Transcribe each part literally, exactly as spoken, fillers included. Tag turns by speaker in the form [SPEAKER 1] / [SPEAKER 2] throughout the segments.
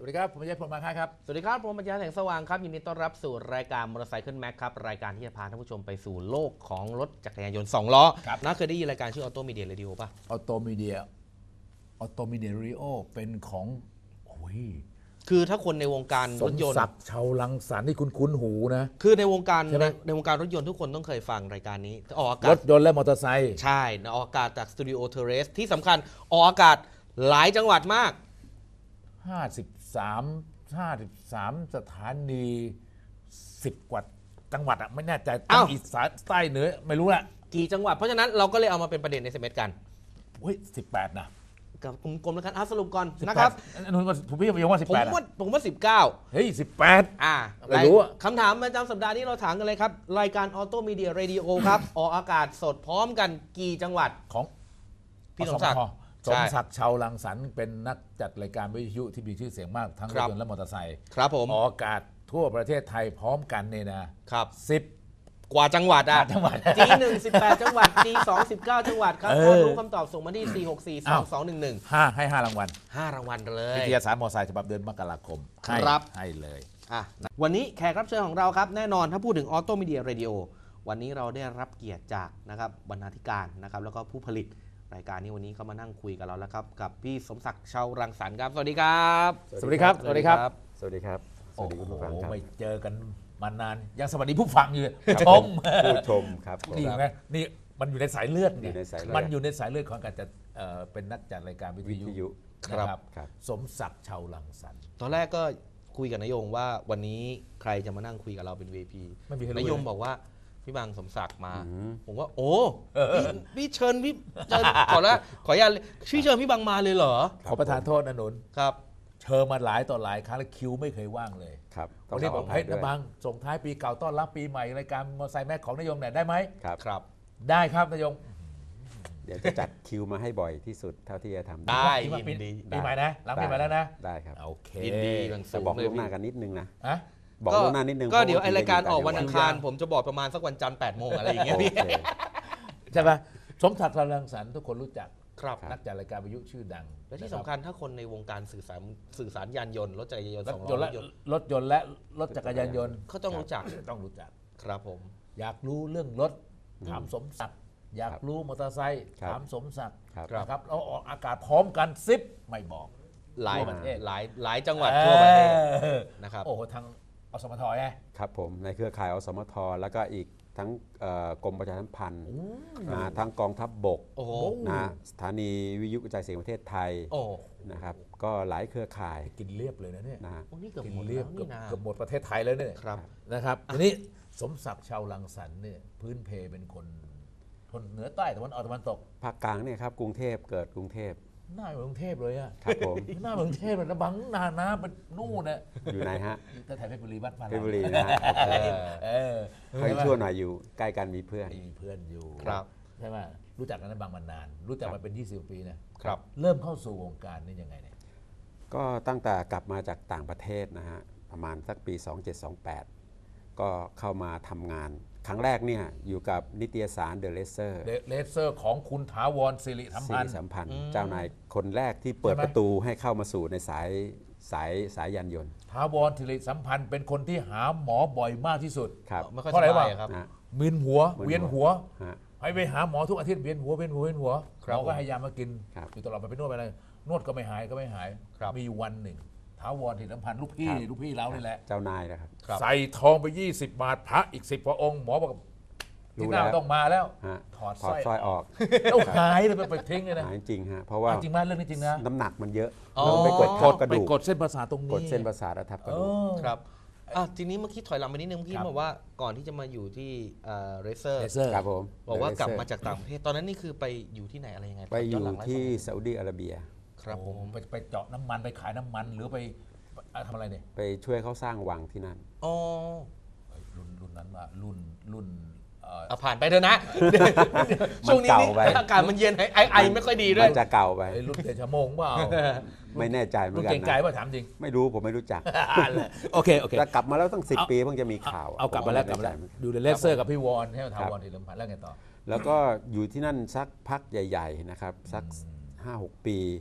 [SPEAKER 1] วัสดีครับผมยัยพลมาครับ
[SPEAKER 2] สวัสดีครับผมปัญญาแสงสว่างครับยินดีต้อนรับสู่รายการมอเตอร์ไซค์แม็กครับรายการที่จะพาท่านผู้ชมไปสู่โลกของรถจักรยานยนต์สองล้อน่าเคยได้ยินรายการชื่อออโตมีเดียเรดิโอป่ะ
[SPEAKER 1] ออโตมีเดียออโตมีเดียเรดิโอเป็นของโอ้ย
[SPEAKER 2] คือถ้าคนในวงการรถยนต์
[SPEAKER 1] สมศักดิ์ชาวลังสรรค์ที่คุณคุ้นหูนะ
[SPEAKER 2] คือในวงการในในวงการรถยนต์ทุกคนต้องเคยฟังรายการนี้ออกอากาศ
[SPEAKER 1] รถยนต์และมอเตอร์ไซค์
[SPEAKER 2] ใช่ออกอากาศจากสตูดิโอเทเรสที่สำคัญออกอากาศหลายจังหวัดมาก
[SPEAKER 1] ห้าสิบสามห้าสิบสามสถานีสิบกว่าจังหวัดอ่ะไม่แน่ใจตั้งอีสานใต้เหนือไม่รู้ละ
[SPEAKER 2] กี่จังหวัดเพราะฉะนั้นเราก็เลยเอามาเป็นประเด็นในเซมเมตกัน
[SPEAKER 1] เฮ้ยสิบแปดนะ
[SPEAKER 2] กับกลมๆแล้วกันอ่ะสรุปก่อนนะครับ
[SPEAKER 1] ผมพี่ยังว่าสิบแปด
[SPEAKER 2] ผมว่าผมว่าสิบเก้า
[SPEAKER 1] เฮ้ยสิบแปด
[SPEAKER 2] อ่า
[SPEAKER 1] ไม่รู้
[SPEAKER 2] คำถามประจำสัปดาห์นี้เราถามกันเลยครับรายการออโตมีเดียเรดิโอครับออกอากาศสดพร้อมกันกี่จังหวัด
[SPEAKER 1] ของ
[SPEAKER 2] พี่สมศักดิ์
[SPEAKER 1] สมศักดิ์ชาวลังสรรค์เป็นนักจัดรายการวิทยุที่มีชื่อเสียงมากทั้งรถยนต์และมอเตอร์ไซค์
[SPEAKER 2] ครับผม
[SPEAKER 1] ออกอากาศทั่วประเทศไทยพร้อมกันเนี่ยนะครับสิบ
[SPEAKER 2] กว่าจังหวัดอ่ะ
[SPEAKER 1] จังหวัด
[SPEAKER 2] จีหนึ่งสิบแปดจังหวัดจีสองสิบเก้าจังหวัดครับถ้ารู้คำตอบส่งมาที่สี่หกสี่สองสองหนึ่งหนึ่ง
[SPEAKER 1] ห้าให้ห้ารางวัล
[SPEAKER 2] ห้ารางวัลเลย
[SPEAKER 1] วิทยาศาสตร์มอเตอร์ไซค์ฉบับเดือนมกราคมให้ให้เลย
[SPEAKER 2] อ่ะวันนี้แขกรับเชิญของเราครับแน่นอนถ้าพูดถึงออโตมีเดียเรดิโอวันนี้เราได้รับเกียรติจากนะครับบรรณาธิการนะครับแล้วก็ผู้ผลิตรายการนี้วันนี้เขามานั่งคุยกับเราแล้วครับกับพี่สมศักดิ์ชาวรังสรรค์ครับสวัสดีครับ
[SPEAKER 1] สวัสดีครับสวัสดีครับ
[SPEAKER 3] สวัสดีครับสวัสดีคุณผู้ฟังครับ
[SPEAKER 1] ไม่เจอกันมานานยังสวัสดีผู้ฟังอยู่ชม
[SPEAKER 3] ผู้ชมครับ
[SPEAKER 1] นี่ไงนี่มันอยู่ในสายเลือดเนี่ยมันอยู่ในสายเลือดของการจะเป็นนักจัดรายการวิทยุ
[SPEAKER 2] ครับ
[SPEAKER 1] สมศักดิ์ชาวรังสรรค์
[SPEAKER 2] ตอนแรกก็คุยกับนายยงว่าวันนี้ใครจะมานั่งคุยกับเราเป็น วี ไอ พี นายยงบอกว่าพี่บางสมศักดิ์มาผมว่าโอ้พี่เชิญพี่ขอแล้วขออนุญาตชื่อเชิญพี่บางมาเลยเหรอ
[SPEAKER 1] ขอประทานโทษนะหนุน
[SPEAKER 2] ครับ
[SPEAKER 1] เชิญมาหลายต่อหลายครั้งแล้วคิวไม่เคยว่างเลย
[SPEAKER 3] ครับ
[SPEAKER 1] วันนี้บอกให้นะบางส่งท้ายปีเก่าต้อนรับปีใหม่รายการมอเตอร์ไซค์แม็กของนายยงหน่อยได้ไหม
[SPEAKER 3] ครับ
[SPEAKER 2] ครับ
[SPEAKER 1] ได้ครับนายยง
[SPEAKER 3] เดี๋ยวจะจัดคิวมาให้บ่อยที่สุดเท่าที่จะทำ
[SPEAKER 2] ได้ยินดี
[SPEAKER 1] ปีใหม่นะหลังปีใหม่แล้วนะ
[SPEAKER 3] ได้ครับ
[SPEAKER 1] โอเค
[SPEAKER 2] ยินดี
[SPEAKER 3] แต่บอกล่วงหน้ากันนิดนึงนะ
[SPEAKER 2] บอกล่วงหน้านิดนึงก็เดี๋ยวไอรายการออกวันอังคารผมจะบอกประมาณสักวันจันทร์แปดโมงอะไรอย่างเงี้ยพี่
[SPEAKER 1] ใช่ป่ะสมศักดิ์ชาวรังสรรค์ทุกคนรู้จักนักจัดรายการวิทยุชื่อดัง
[SPEAKER 2] และที่สำคัญถ้าคนในวงการสื่อสารสื่อสารยานยนต์รถจักรยานยนต์สอง
[SPEAKER 1] ล้อรถยนต์และรถจักรยานยนต์
[SPEAKER 2] เขาต้องรู้จัก
[SPEAKER 1] ต้องรู้จัก
[SPEAKER 2] ครับผม
[SPEAKER 1] อยากรู้เรื่องรถถามสมศักดิ์อยากรู้มอเตอร์ไซค์ถามสมศักดิ์นะครับเราออกอากาศพร้อมกันซิปไม่บอก
[SPEAKER 2] หลายประเทศหลายหลายจังหวัดทั่วประเทศนะครับ
[SPEAKER 1] โอ้โหทางอสมทไง
[SPEAKER 3] ครับผมในเครือข่ายอสมทแล้วก็อีกทั้งกรมประชาสัมพันธ์ทั้งกองทัพบกนะสถานีวิทยุกระจายเสียงประเทศไทยนะครับก็หลายเครือข่าย
[SPEAKER 1] กินเรียบเลยนะเนี่ย
[SPEAKER 2] นะ
[SPEAKER 1] กินเรียบเกือบหมดประเทศไทยแล้วเนี่ยนะครับทีนี้สมศักดิ์ชาวรังสรรค์เนี่ยพื้นเพเป็นคนคนเหนือใต้ตะวันออกตะวันตก
[SPEAKER 3] ภาคกลางเนี่ยครับกรุงเทพเกิดกรุงเทพ
[SPEAKER 1] หน้าเหมือนกรุงเทพเลยอ่ะ
[SPEAKER 3] ครับผม
[SPEAKER 1] หน้าเหมือนกรุงเทพเลยนะบังนานะเป็นนู่นน่ะ
[SPEAKER 3] อยู่ไหนฮะ
[SPEAKER 1] แต่แถวเพชรบุรีบ้านฟ้า
[SPEAKER 3] เพชรบุรีนะ
[SPEAKER 1] เออ
[SPEAKER 3] ใครชั่วหน่อยอยู่ใกล้กันมีเพื่อน
[SPEAKER 1] มีเพื่อนอยู่
[SPEAKER 2] ครับ
[SPEAKER 1] ใช่ไหมรู้จักกันในบางมานานรู้จักมาเป็นยี่สิบปีนะครับเริ่มเข้าสู่วงการนี่ยังไงเนี่ย
[SPEAKER 3] ก็ตั้งแต่กลับมาจากต่างประเทศนะฮะประมาณสักปีสองเจ็ดสองแปดก็เข้ามาทำงานครั้งแรกเนี่ยอยู่กับนิตยสารเดอะเลเซอร์
[SPEAKER 1] เลเซอร์ของคุณถาวรสิริสัมพันธ์
[SPEAKER 3] สัมพันธ์เจ้านายคนแรกที่เปิดประตูให้เข้ามาสู่ในสายสายสายยานยนต์
[SPEAKER 1] ถาวรสิริสัมพันธ์เป็นคนที่หาหมอบ่อยมากที่สุด
[SPEAKER 3] ครับ
[SPEAKER 1] เพราะอะไรวะมึนหัวเวียนหัวให้ไปหาหมอทุกอาทิตย์เวียนหัวเวียนหัวเวียนหัวหมอก็ให้ยามากินอยู่ตลอดไปนวดไปอะไรนวดก็ไม่หายก็ไม่หายมีวันหนึ่งถาวรสิริสัมพันธ์ลูกพี่ลูกพี่เรานี่แหละ
[SPEAKER 3] เจ้านายนะครับ
[SPEAKER 1] ใส่ทองไปยี่สิบบาทพระอีกสิบพระองค์หมอบอกที่หน้าต้องมาแล้วถอดสร้อย
[SPEAKER 3] ออก
[SPEAKER 1] แล้วหายเลยไปทิ้งเลยนะ
[SPEAKER 3] หายจริงฮะเพราะว่า
[SPEAKER 1] จริงมากเรื่องนี้จริงนะ
[SPEAKER 3] น้ำหนักมันเยอะ
[SPEAKER 1] ไปกดข้อกระดูกไปกดเส้นประสาทตรงนี้
[SPEAKER 3] กดเส้นประสาททับกระดูก
[SPEAKER 2] ครับอ่ะทีนี้เมื่อกี้ถอยหลังไปนิดนึงเมื่อกี้บอกว่าก่อนที่จะมาอยู่ที่เรเซอร์
[SPEAKER 3] ครับผม
[SPEAKER 2] บอกว่ากลับมาจากต่างประเทศตอนนั้นนี่คือไปอยู่ที่ไหนอะไรยังไง
[SPEAKER 3] ไปอยู่ที่ซาอุดีอาระเบีย
[SPEAKER 2] ครับผม
[SPEAKER 1] ไปไปเจาะน้ำมันไปขายน้ำมันหรือไปทำอะไรเนี่ย
[SPEAKER 3] ไปช่วยเขาสร้างวังที่นั่น
[SPEAKER 2] อ๋อ
[SPEAKER 1] รุ่นรุ่นนั้นว่ารุ่นรุ่น
[SPEAKER 2] เอาผ่านไปเถอะนะช่วงนี้อากาศมันเย็นไอไอไม่ค่อยดีด้วย
[SPEAKER 3] มันจะเก่าไป
[SPEAKER 1] รุ่นเดชโมงเปล่า
[SPEAKER 3] ไม่แน่ใจเหมือนกันนะ
[SPEAKER 1] เก่งใจว่าถามจริง
[SPEAKER 3] ไม่รู้ผมไม่รู้จัก
[SPEAKER 1] โอเคโอเค
[SPEAKER 3] แต่กลับมาแล้วตั้งสิบปีเพิ่งจะมีข่าว
[SPEAKER 1] เอากลับมาแล้วกลับมาแล้วดูเลเซอร์กับพี่วอนให้ถาวรสิริสัมพันธ์แล้วไงต่อ
[SPEAKER 3] แล้วก็อยู่ที่นั่นสักพักใหญ่ๆนะครับสักห้าหกปี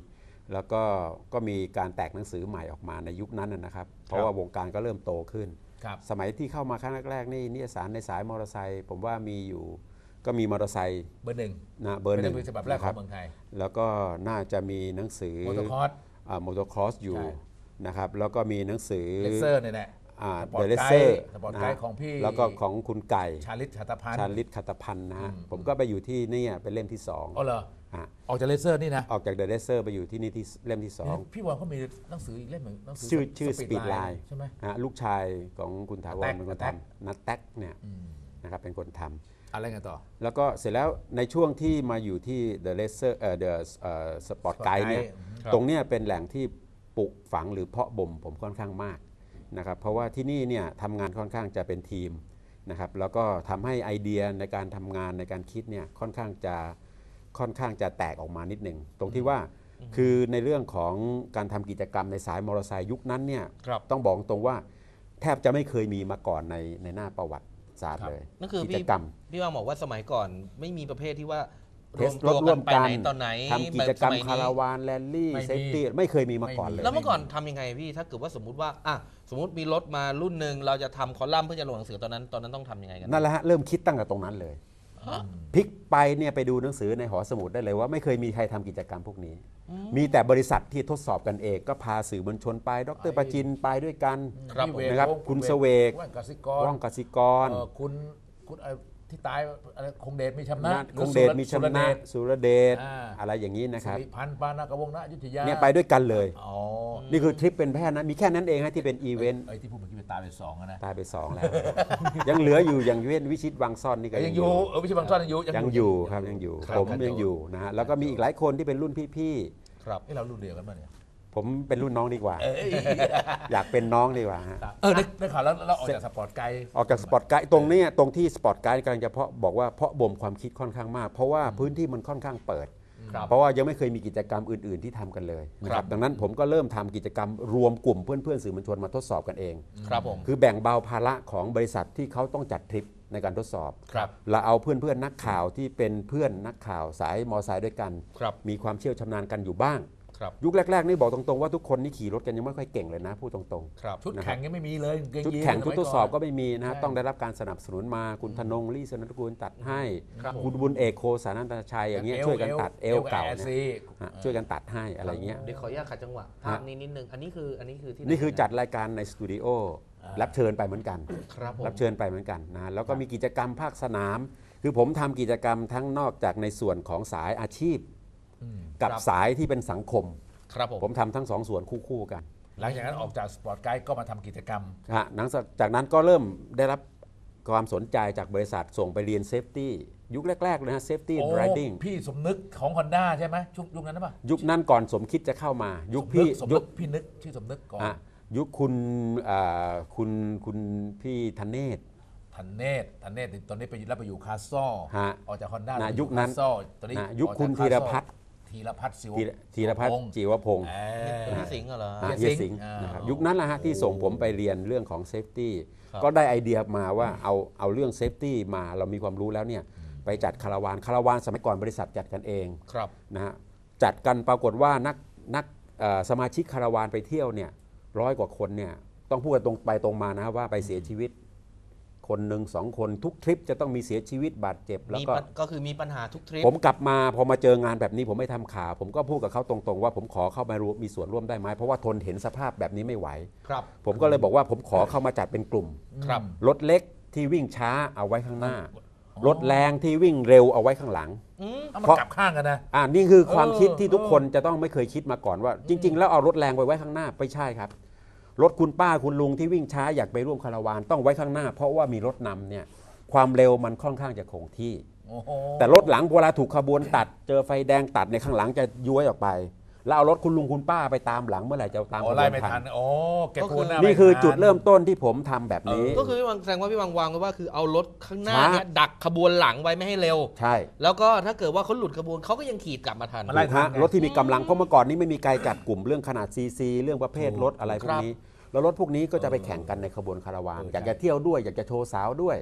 [SPEAKER 3] แล้วก็ก็มีการแตกหนังสือใหม่ออกมาในยุคนั้นนะครับเพราะว่าวงการก็เริ่มโตขึ้นสมัยที่เข้ามาครั้งแรกๆนี่นิตยสารในสายมอเตอร์ไซค์ผมว่ามีอยู่ก็มีมอเตอร์ไซค์
[SPEAKER 1] เบอร์หนึ่ง
[SPEAKER 3] นะเบอร์หนึ่ง
[SPEAKER 1] เป็นฉบับแรกของเมืองไทย
[SPEAKER 3] แล้วก็น่าจะมีหนังสือ
[SPEAKER 1] มอเตอร์คอร์ส
[SPEAKER 3] มอเตอร์คอร์สอยู่นะครับแล้วก็มีหนังสือ
[SPEAKER 1] เลเซอร์เนี่ยแหละ
[SPEAKER 3] เดอะเลเซอร์
[SPEAKER 1] สปอร์ตไกด์ของพี่
[SPEAKER 3] แล้วก็ของคุณไก่
[SPEAKER 1] ชาลิตขัตพันธ์
[SPEAKER 3] ชาลิตขัตพันธ์นะฮะผมก็ไปอยู่ที่นี่เป็นเล่มที่สอง
[SPEAKER 1] อ๋อเหรอออกจากเลเซอร์นี่นะ
[SPEAKER 3] ออกจากเดอะเลเซอร์ไปอยู่ที่นี่ที่เล่มที่สอง
[SPEAKER 1] พี่วอนเขามีหนังสืออีกเล่มหนึ่งหนังสือ
[SPEAKER 3] ชื่อชื่อสปีดไลน์
[SPEAKER 1] ใช่ไหม
[SPEAKER 3] ลูกชายของคุณถาวรเป็นคนทำนัทแท็กเนี่ยนะครับเป็นคนทำ
[SPEAKER 1] อะไรกันต่อ
[SPEAKER 3] แล้วก็เสร็จแล้วในช่วงที่มาอยู่ที่ The Laser เอ่อ The Sport Guide เนี่ยตรงเนี้ยเป็นแหล่งที่ปลูกฝังหรือเพาะบ่มผมค่อนข้างมากนะครับเพราะว่าที่นี่เนี่ยทำงานค่อนข้างจะเป็นทีมนะครับแล้วก็ทำให้ไอเดียในการทำงานในการคิดเนี่ยค่อนข้างจะค่อนข้างจะแตกออกมานิดหนึ่งตรงที่ว่าคือในเรื่องของการทำกิจกรรมในสายมอเตอร์ไซค์ยุคนั้นเนี่ยต้องบอกตรงว่าแทบจะไม่เคยมีมาก่อนในในหน้าประวัติศาสตร์เลย
[SPEAKER 2] นั่นคือกิจกรรมพี่ว่าบอกว่าสมัยก่อนไม่มีประเภทที่ว่า
[SPEAKER 3] เทสรถร่วมกันทำกิจกรรมคาราวานแรลลี่เซฟตี้ไม่เคยมีมาก่อนเลย
[SPEAKER 2] แล้วเมื่อก่อนทำยังไงพี่ถ้าเกิดว่าสมมติว่าอ่ะสมมติมีรถมารุ่นหนึ่งเราจะทำคอลัมน์เพื่อจะลงหนังสือตอนนั้นตอนนั้นต้องทำยังไงกัน
[SPEAKER 3] นั่นแหละฮะเริ่มคิดตั้งแต่ตรงนั้นเลยพลิกไปเนี่ยไปดูหนังสือในหอสมุดได้เลยว่าไม่เคยมีใครทำกิจกรรมพวกนี้มีแต่บริษัทที่ทดสอบกันเองก็พาสื่อมวลชนไปดร.ประจินไปด้วยกันนะครับคุณเสวกว่องกสิกร
[SPEAKER 1] คุณคุณที่ตายอะไรคงเดชมีชำนาญ
[SPEAKER 3] คงเดชมีชำนาญสุรเดชอะไรอย่างนี้นะครับ
[SPEAKER 1] พันปานากระวงนะยุทธยา
[SPEAKER 3] เนี่ยไปด้วยกันเลยนี่คือทริปเป็นแพทย์นะมีแค่นั้นเองฮะที่เป็นอีเวนต์
[SPEAKER 1] ไอ้ที่พูดเมื่อกี้เป็นตายไปสองนะ
[SPEAKER 3] ตายไปสองแล้วยังเหลืออยู่อย่างเว้นวิชิตวังซ่อนนี่ก็
[SPEAKER 1] ยังอยู่เออวิชิตวังซ่อนยังอยู่
[SPEAKER 3] ยังอยู่ครับยังอยู่ผมยังอยู่นะฮะแล้วก็มีอีกหลายคนที่เป็นรุ่นพี่
[SPEAKER 1] ๆครับนี่เรารุ่นเดียวกันป่ะเนี่ย
[SPEAKER 3] ผมเป็นรุ่นน้องดีกว่าอยากเป็นน้องดีกว่าฮะ
[SPEAKER 1] เออได้ข่าวแล้วเราออกจากสปอร์ตไกด์
[SPEAKER 3] ออกจากสปอร์ตไกด์ตรงนี้ตรงที่สปอร์ตไกด์กำลังจะเพาะบอกว่าเพาะบ่มความคิดค่อนข้างมากเพราะว่าพื้นที่มันค่อนข้างเปิดเพราะว่ายังไม่เคยมีกิจกรรมอื่นๆที่ทำกันเลยนะครับดังนั้นผมก็เริ่มทำกิจกรรมรวมกลุ่มเพื่อนๆสื่อมวลชนมาทดสอบกันเอง
[SPEAKER 2] ครับผม
[SPEAKER 3] คือแบ่งเบาภาระของบริษัทที่เขาต้องจัดทริปในการทดสอบเราเอาเพื่อนๆนักข่าวที่เป็นเพื่อนนักข่าวสายมอไซค์ด้วยกันมีความเชี่ยวชำนาญกันอยู่บ้างยุคแรกๆนี่บอกตรงๆว่าทุกคนนี่ขี่รถกันยังไม่ค่อยเก่งเลยนะพูดตรง
[SPEAKER 1] ๆชุดแข่งยังไม่มีเลย
[SPEAKER 3] ชุดแข่งชุดทดสอบก็ไม่มีนะต้องได้รับการสนับสนุนมาคุณธนงลี่สนันทกุลตัดให้คุณบุญเอกโคสานันตชัยอย่างเงี้ยช่วยกันตัดเอลเก่าช่วยกันตัดให้อะไรเงี้ย
[SPEAKER 2] เดี๋ยวขออนุญาตขัดจังหวะภาพนี้นิดนึงอันนี้คืออันนี้คือที่
[SPEAKER 3] นี่คือจัดรายการในสตูดิโอรับเชิญไปเหมือนกันรับเชิญไปเหมือนกันนะแล้วก็มีกิจกรรมภาคสนามคือผมทำกิจกรรมทั้งนอกจากในส่วนของสายอาชีพกับสายที่เป็นสังคม
[SPEAKER 2] ครับผม
[SPEAKER 3] ผมทำทั้งสองส่วนคู่ๆกัน
[SPEAKER 1] หลังจากนั้นออกจากสปอร์ตไกด์ก็มาทำกิจกรรม
[SPEAKER 3] ฮะหลังจากนั้นก็เริ่มได้รับความสนใจจากบริษัทส่งไปเรียนเซฟตี้ยุคแรกๆเลยฮะเซฟตี้ไรดิ้ง
[SPEAKER 1] พี่สมนึกของ Honda ใช่ไหมยุคยุคนั้นป่ะ
[SPEAKER 3] ยุคนั้นก่อนสมคิดจะเข้ามายุคพี่
[SPEAKER 1] ยุคพี่นึกชื่อสมนึกก่อน
[SPEAKER 3] ยุคคุณคุณคุณพี่ธเนศ
[SPEAKER 1] ธันเนศธันเนศตอนนี้ไปรับไปอยู่คาซ่อออกจาก Honda
[SPEAKER 3] ยุคนั้น
[SPEAKER 1] ตอนนี้
[SPEAKER 3] ยุคคุณธีรพัฒน์
[SPEAKER 1] ธีรพัฒน์ศิว
[SPEAKER 3] ธีรพัฒน์จิวพงศ์
[SPEAKER 2] พี่สิงห์เหรอ
[SPEAKER 3] เฮียสิงห์นะครับยุคนั้นแหละฮะที่ส่งผมไปเรียนเรื่องของเซฟตี้ก็ได้ไอเดียมาว่าเอาเอาเรื่องเซฟตี้มาเรามีความรู้แล้วเนี่ยไปจัดคาราวานคาราวานสมัยก่อนบริษัทจัดกันเองนะฮะจัดกันปรากฏว่านักนักสมาชิกคาราวานไปเที่ยวเนี่ยร้อยกว่าคนเนี่ยต้องพูดกันตรงไปตรงมานะว่าไปเสียชีวิตคนหนึ่งสองคนทุกทริปจะต้องมีเสียชีวิตบาดเจ็บแล้วก็
[SPEAKER 2] ก็คือมีปัญหาทุกทริป
[SPEAKER 3] ผมกลับมาพอมาเจองานแบบนี้ผมไม่ทำข่าวผมก็พูดกับเขาตรงๆว่าผมขอเข้ามามีส่วนร่วมได้ไหมเพราะว่าทนเห็นสภาพแบบนี้ไม่ไหว
[SPEAKER 2] ครับ
[SPEAKER 3] ผมก็เลยบอกว่าผมขอเข้ามาจัดเป็นกลุ่ม
[SPEAKER 2] ครับ
[SPEAKER 3] รถเล็กที่วิ่งช้าเอาไว้ข้างหน้ารถแรงที่วิ่งเร็วเอาไว้ข้างหลัง
[SPEAKER 1] เพราะกลับข้างกันนะ
[SPEAKER 3] อ่านี่คือความคิดที่ทุกคนจะต้องไม่เคยคิดมาก่อนว่าจริงๆแล้วเอารถแรงไปไว้ข้างหน้าไม่ใช่ครับรถคุณป้าคุณลุงที่วิ่งช้าอยากไปร่วมคาราวานต้องไว้ข้างหน้าเพราะว่ามีรถนำเนี่ยความเร็วมันค่อนข้างจะคงที่แต่รถหลังเวลาถูกขบวนตัดเจอไฟแดงตัดในข้างหลังจะย้วยออกไปแล้วเอารถคุณลุงคุณป้าไปตามหลังเมื่อไหร่จะตาม
[SPEAKER 1] ขบวนทันอ๋อแกพูด
[SPEAKER 3] นี่คือจุดเริ่มต้นที่ผมทำแบบนี้
[SPEAKER 2] ก็คือพี่วังแสดงว่าพี่วังวางไว้ว่าคือเอารถข้างหน้าเนี่ยดักขบวนหลังไว้ไม่ให้เร็ว
[SPEAKER 3] ใช่
[SPEAKER 2] แล้วก็ถ้าเกิดว่าเขาหลุดขบวนเขาก็ยังขี่กลับมาทัน
[SPEAKER 3] รถที่มีกำลังเพราะเมื่อก่อนนี้ไม่มีการจัดกลุ่มเรื่องขนาดซีซีเรื่องประเภทรถอะไรพวกนี้แล้วรถพวกนี้ก็จะไปแข่งกันในขบวนคาราวานอยากจะเที่ยวด้วยอยากจะโชว์สาวด้วย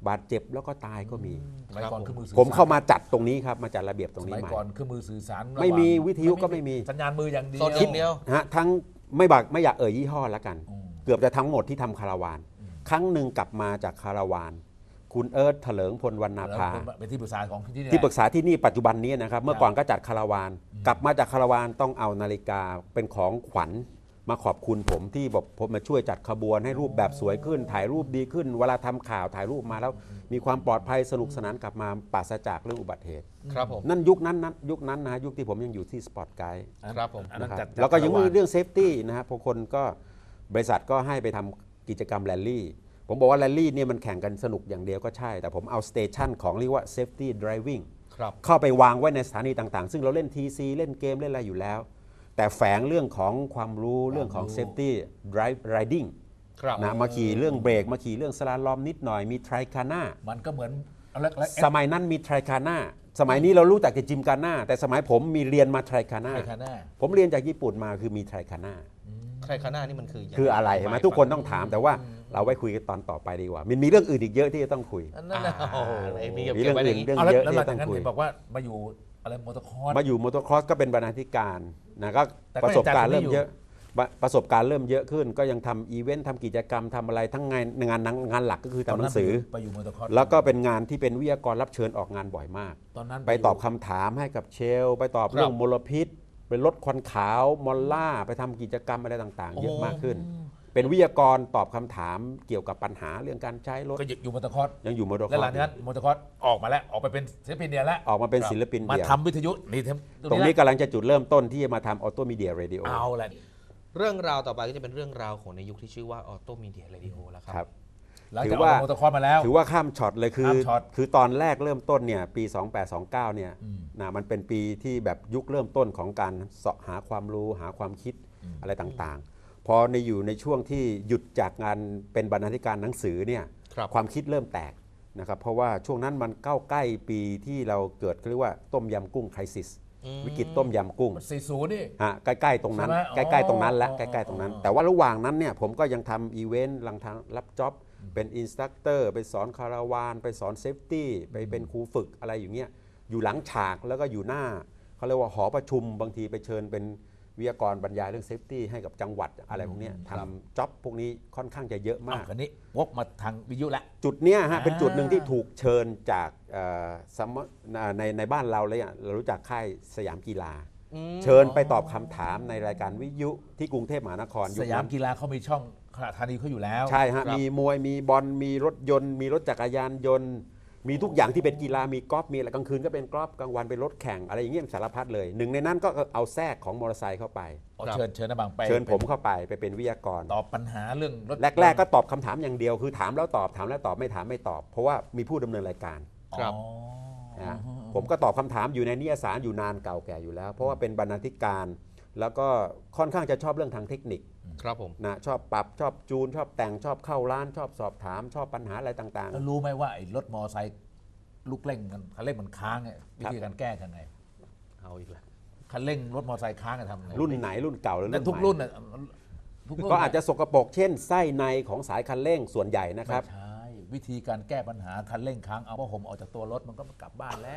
[SPEAKER 3] บาดเจ็บแล้วก็ตายก็มี
[SPEAKER 1] สมัยก่อนเครื่องมือสื่อ
[SPEAKER 3] ผมเข้า
[SPEAKER 1] สาร
[SPEAKER 3] มาจัดตรงนี้ครับมาจัดระเบียบตรง
[SPEAKER 1] ส
[SPEAKER 3] นี้
[SPEAKER 1] มัย
[SPEAKER 3] ใหม่
[SPEAKER 1] ก่อนเครื่องมือสื่อสาร
[SPEAKER 3] ไม่มี
[SPEAKER 1] ระหาง
[SPEAKER 3] วิทยุก็ไม่มี
[SPEAKER 1] สัญญาณมืออย่างเดียว
[SPEAKER 2] โซนอย่างเดียว
[SPEAKER 3] ฮะทั้งไม่บักไม่อยากเอ่ยยี่ห้อแล้วกัน
[SPEAKER 1] อืม
[SPEAKER 3] เกือบจะทั้งหมดที่ทำคาราวาน ครั้งหนึ่งกลับมาจากคาราวาน คุณเอิร์ธเถลิงพลวรรณภา
[SPEAKER 1] เป็นที่ปรึกษาของที่นี่
[SPEAKER 3] ที่ปรึกษาที่นี่ปัจจุบันนี้นะครับ เมื่อก่อนก็จัดคาราวาน กลับมาจากคาราวานต้องเอานาฬิกาเป็นของขวัญมาขอบคุณผมที่บอกผมมาช่วยจัดขบวนให้รูปแบบสวยขึ้น ถ่ายรูปดีขึ้น เวลาทำข่าวถ่ายรูปมาแล้ว มีความปลอดภัยสนุกสนานกลับมาปราศจากเรื่องอุบัติเหตุ
[SPEAKER 2] ครับผม
[SPEAKER 3] นั่นยุคนั้นนั้นยุคนั้นนะยุคที่ผมยังอยู่ที่สปอร์ตไกด์
[SPEAKER 2] ครับผม
[SPEAKER 1] อันนั้น
[SPEAKER 3] นะครับ
[SPEAKER 1] จัด
[SPEAKER 3] แล้วก็ยังมี
[SPEAKER 1] คาราวาน
[SPEAKER 3] เรื่องเซฟตี้นะครับบางคนก็บริษัทก็ให้ไปทำกิจกรรมแรลลี่ ผมบอกว่าแรลลี่เนี่ยมันแข่งกันสนุกอย่างเดียวก็ใช่ แต่ผมเอาสเตชันของเรียกว่า safety driving
[SPEAKER 2] ครับ
[SPEAKER 3] เข้าไปวางไว้ในสถานีต่างๆ ซึ่งเราเล่น ที ซี เล่นเกมเล่นอะไรอยู่แล้ว แต่แฝงเรื่องของความรู้เรื่องของ safety drive riding
[SPEAKER 2] ครับ
[SPEAKER 3] นะมาขี่เรื่องเบรกมาขี่เรื่องสลาลอมนิดหน่อยมีไทรคาน่า
[SPEAKER 1] มันก็เหมือนอะไรอะไร
[SPEAKER 3] สมัยนั้นมีไทรคาน่าสมัยนี้เรารู้จักแต่จิมกาน่าแต่สมัยผมมีเรียนมาไทรคาน่า
[SPEAKER 1] ไทรคาน่า
[SPEAKER 3] ผมเรียนจากญี่ปุ่นมาคือมีไทรคาน่า
[SPEAKER 2] ใครข้างหน้านี่มันคือยังง
[SPEAKER 3] คืออะไรเห็นไหมทุกคนต้องถามแต่ว่าเราไว้คุยกันตอนต่อไปดีกว่า มันมีเรื่องอื่นอีกเยอะที่จะต้องคุย
[SPEAKER 1] อันนั้นนะ
[SPEAKER 2] โอ้โหไอ้มี
[SPEAKER 3] มี
[SPEAKER 2] เก็
[SPEAKER 3] เรื่
[SPEAKER 2] บ
[SPEAKER 3] อง
[SPEAKER 2] ไว้
[SPEAKER 3] อื่
[SPEAKER 2] อย่างนี้
[SPEAKER 3] นเรื่องเยอะ
[SPEAKER 1] เอาแล้วแล้วห
[SPEAKER 3] ที่
[SPEAKER 1] ลัง
[SPEAKER 3] จะต้
[SPEAKER 1] จา
[SPEAKER 3] อก ง
[SPEAKER 1] นั้น
[SPEAKER 3] คุย
[SPEAKER 1] เห็นบอกว่ามาอยู่อะไรมอเตอร์คอร์ส
[SPEAKER 3] มาอยู่มอเตอร์ครอสก็เป็นบรรณาธิการนะก็
[SPEAKER 1] แต่ก็
[SPEAKER 3] ประสบการณ์
[SPEAKER 1] ยังจัด
[SPEAKER 3] เริ่ม
[SPEAKER 1] ไม่อยู่
[SPEAKER 3] เยอะประประสบการณ์เริ่มเยอะขึ้น ก็ยังทำอีเวนต์ทำกิจกรรมทำอะไรทั้งงานงานงานหลักก็คือทำหนังสือ
[SPEAKER 1] ไปอยู่มอเตอร์คอร์ส
[SPEAKER 3] แล้วก็เป็นงานที่เป็นวิทยากรรับเชิญออกงานบ่อยมาก
[SPEAKER 1] ตอนนั้น
[SPEAKER 3] ไปตอบคำถามให้กับเชล ไปตอบเรื่องมลพิษ ไปลดควันขาวมอลล่าไปทำกิจกรรมอะไรต่างๆ เยอะมากขึ้น เป็นวิทยากรตอบคำถามเกี่ยวกับปัญหาเรื่องการใช้รถ
[SPEAKER 1] ก็อยู่มอเตอร์คอร์ส
[SPEAKER 3] ยังอยู่มอเตอร์ค
[SPEAKER 1] และ
[SPEAKER 3] อ
[SPEAKER 1] หลั
[SPEAKER 3] ร์
[SPEAKER 1] งจากนั้นมอเตอร์คอร์สออกมาแล้วออกไปเป็นศิลปินเดียวแล้ว
[SPEAKER 3] ออกมาเป็นศิลปิน
[SPEAKER 1] มา
[SPEAKER 3] เดี่ยว
[SPEAKER 1] ทำวิทยุนี่
[SPEAKER 3] ตรงนี้กำลังจะจุดเริ่มต้นที่จะมาทำออโตมีเดียเรดิโอ
[SPEAKER 1] เอาแหละ
[SPEAKER 2] เรื่องราวต่อไปก็จะเป็นเรื่องราวของในยุคที่ชื่อว่าออโตมีเดียเรดิโอแล้วค
[SPEAKER 3] ครั
[SPEAKER 2] รับ
[SPEAKER 3] บ
[SPEAKER 1] หลัง
[SPEAKER 3] ถื
[SPEAKER 1] จาก
[SPEAKER 3] อ
[SPEAKER 1] ออก
[SPEAKER 3] ว่า
[SPEAKER 1] จากมอเตอร์คอร์สมาแล้ว
[SPEAKER 3] ถือว่าข้ามช็อตเลยคือ
[SPEAKER 1] ข้ามช็อต
[SPEAKER 3] คือตอนแรกเริ่มต้นเนี่ยปี สองแปดสองเก้า เนี่ย
[SPEAKER 1] อืม
[SPEAKER 3] นะมันเป็นปีที่แบบยุคเริ่มต้นของการเสาะหาความรู้หาความคิด
[SPEAKER 1] อืม
[SPEAKER 3] อะไรต่างๆ พอในอยู่ในช่วงที่หยุดจากงานเป็นบรรณาธิการหนังสือเนี่ย
[SPEAKER 2] ครับ
[SPEAKER 3] ความคิดเริ่มแตกนะครับเพราะว่าช่วงนั้นมันเข้าใกล้ปีที่เราเกิดเรียกว่าต้มยำกุ้งไครซิส
[SPEAKER 2] อืม
[SPEAKER 3] วิกฤตต้มยำกุ้ง
[SPEAKER 1] สี่สิบนี่
[SPEAKER 3] ฮะใกล้ๆตรงนั้น
[SPEAKER 1] ใช่ไหม
[SPEAKER 3] ใกล้ๆตรงนั้นและ
[SPEAKER 1] อ๋อ
[SPEAKER 3] ใกล้ๆตรงนั้น
[SPEAKER 1] อ๋อ
[SPEAKER 3] แต่ว่าระหว่างนั้นเนี่ยผมก็ยังทำอีเวนต์ลังทางรับจ็อบเป็นอินสตัคเตอร์ไปสอนคาราวานไปสอนเซฟตี้ไปเป็นครูฝึกอะไรอย่างเงี้ยอยู่หลังฉากแล้วก็อยู่หน้าเขาเรียกว่าหอประชุมบางทีไปเชิญเป็นวิทยากรบรรยายเรื่องเซฟตี้ให้กับจังหวัดอะไรพวกเนี้ยทำจ็อบพวกนี้ค่อนข้างจะเยอะ
[SPEAKER 1] อ้าม
[SPEAKER 3] าว ก
[SPEAKER 1] คันนี้วกมาทางวิทยุละ
[SPEAKER 3] จุดเนี้ยฮะ
[SPEAKER 1] อ่า
[SPEAKER 3] เป็นจุดหนึ่งที่ถูกเชิญจากเอ่อสมในในบ้านเราเลยอ่ะเรารู้จักค่ายสยามกีฬา
[SPEAKER 2] อืม
[SPEAKER 3] เชิญไปตอบคำถามในรายการวิทยุที่กรุงเทพมหานคร
[SPEAKER 1] สยามกีฬาเขามีช่องขนาดธานีเขาอยู่แล้ว
[SPEAKER 3] ใช่ฮะ
[SPEAKER 2] ครับ
[SPEAKER 3] มีมวยมีบอลมีรถยนต์ มีรถจักรยานยนต์ มีทุกอย่างที่เป็นกีฬามีกอล์ฟมีอะไรกลางคืนก็เป็นกอล์ฟกลางวันเป็นรถแข่งอะไรอย่างเงี้ยสารพัดเลยหนึ่งในนั้นก็เอาแทรกของมอเตอร์ไซค์เข้าไป
[SPEAKER 1] เอาเชิญเชิญนะบางไป
[SPEAKER 3] เชิญผมเข้าไปไปเป็นวิทยากร
[SPEAKER 1] ตอบปัญหาเรื่องรถ
[SPEAKER 3] แรก ๆ ก็ตอบคำถามอย่างเดียวคือถามแล้วตอบถามแล้วตอบไม่ถามไม่ตอบ เพราะว่ามีผู้ดำเนินรายการ
[SPEAKER 2] ครับ
[SPEAKER 1] อ๋อ
[SPEAKER 3] นะผมก็ตอบคำถามอยู่ในนิยสารอยู่นานเก่าแก่อยู่แล้ว เพราะว่าเป็นบรรณาธิการ แล้วก็ค่อนข้างจะชอบเรื่องทางเทคนิค
[SPEAKER 2] ครับผม
[SPEAKER 3] นะชอบปรับชอบจูน ชอบแต่งชอบเข้าร้าน ชอบสอบถาม ชอบปัญหาอะไรต่าง
[SPEAKER 1] แล้วรู้ไหมว่าไอ้รถมอไซค์ลูกเร่งมันคันเร่งมันค้างไงวิธีการแก้ทำไง
[SPEAKER 2] เอาอีกแล้ว
[SPEAKER 1] คันเร่งรถมอไซค์ค้างจะทำไง
[SPEAKER 3] ๆ รุ่นไหนรุ่นเก่าหรือ
[SPEAKER 1] นั่
[SPEAKER 3] รุ่
[SPEAKER 1] น
[SPEAKER 3] น
[SPEAKER 1] ทุก
[SPEAKER 3] ใหม่
[SPEAKER 1] รุ่นน่ะทุกรุ่น
[SPEAKER 3] ก็อาจจะสกปรกเช่นไส้ในของสายคันเร่งส่วนใหญ่นะครับ
[SPEAKER 1] ไม่ใช่วิธีการแก้ปัญหาคันเร่งค้างเอาผ้าห่มออกจากตัวรถมันก็กลับบ้านแล้ว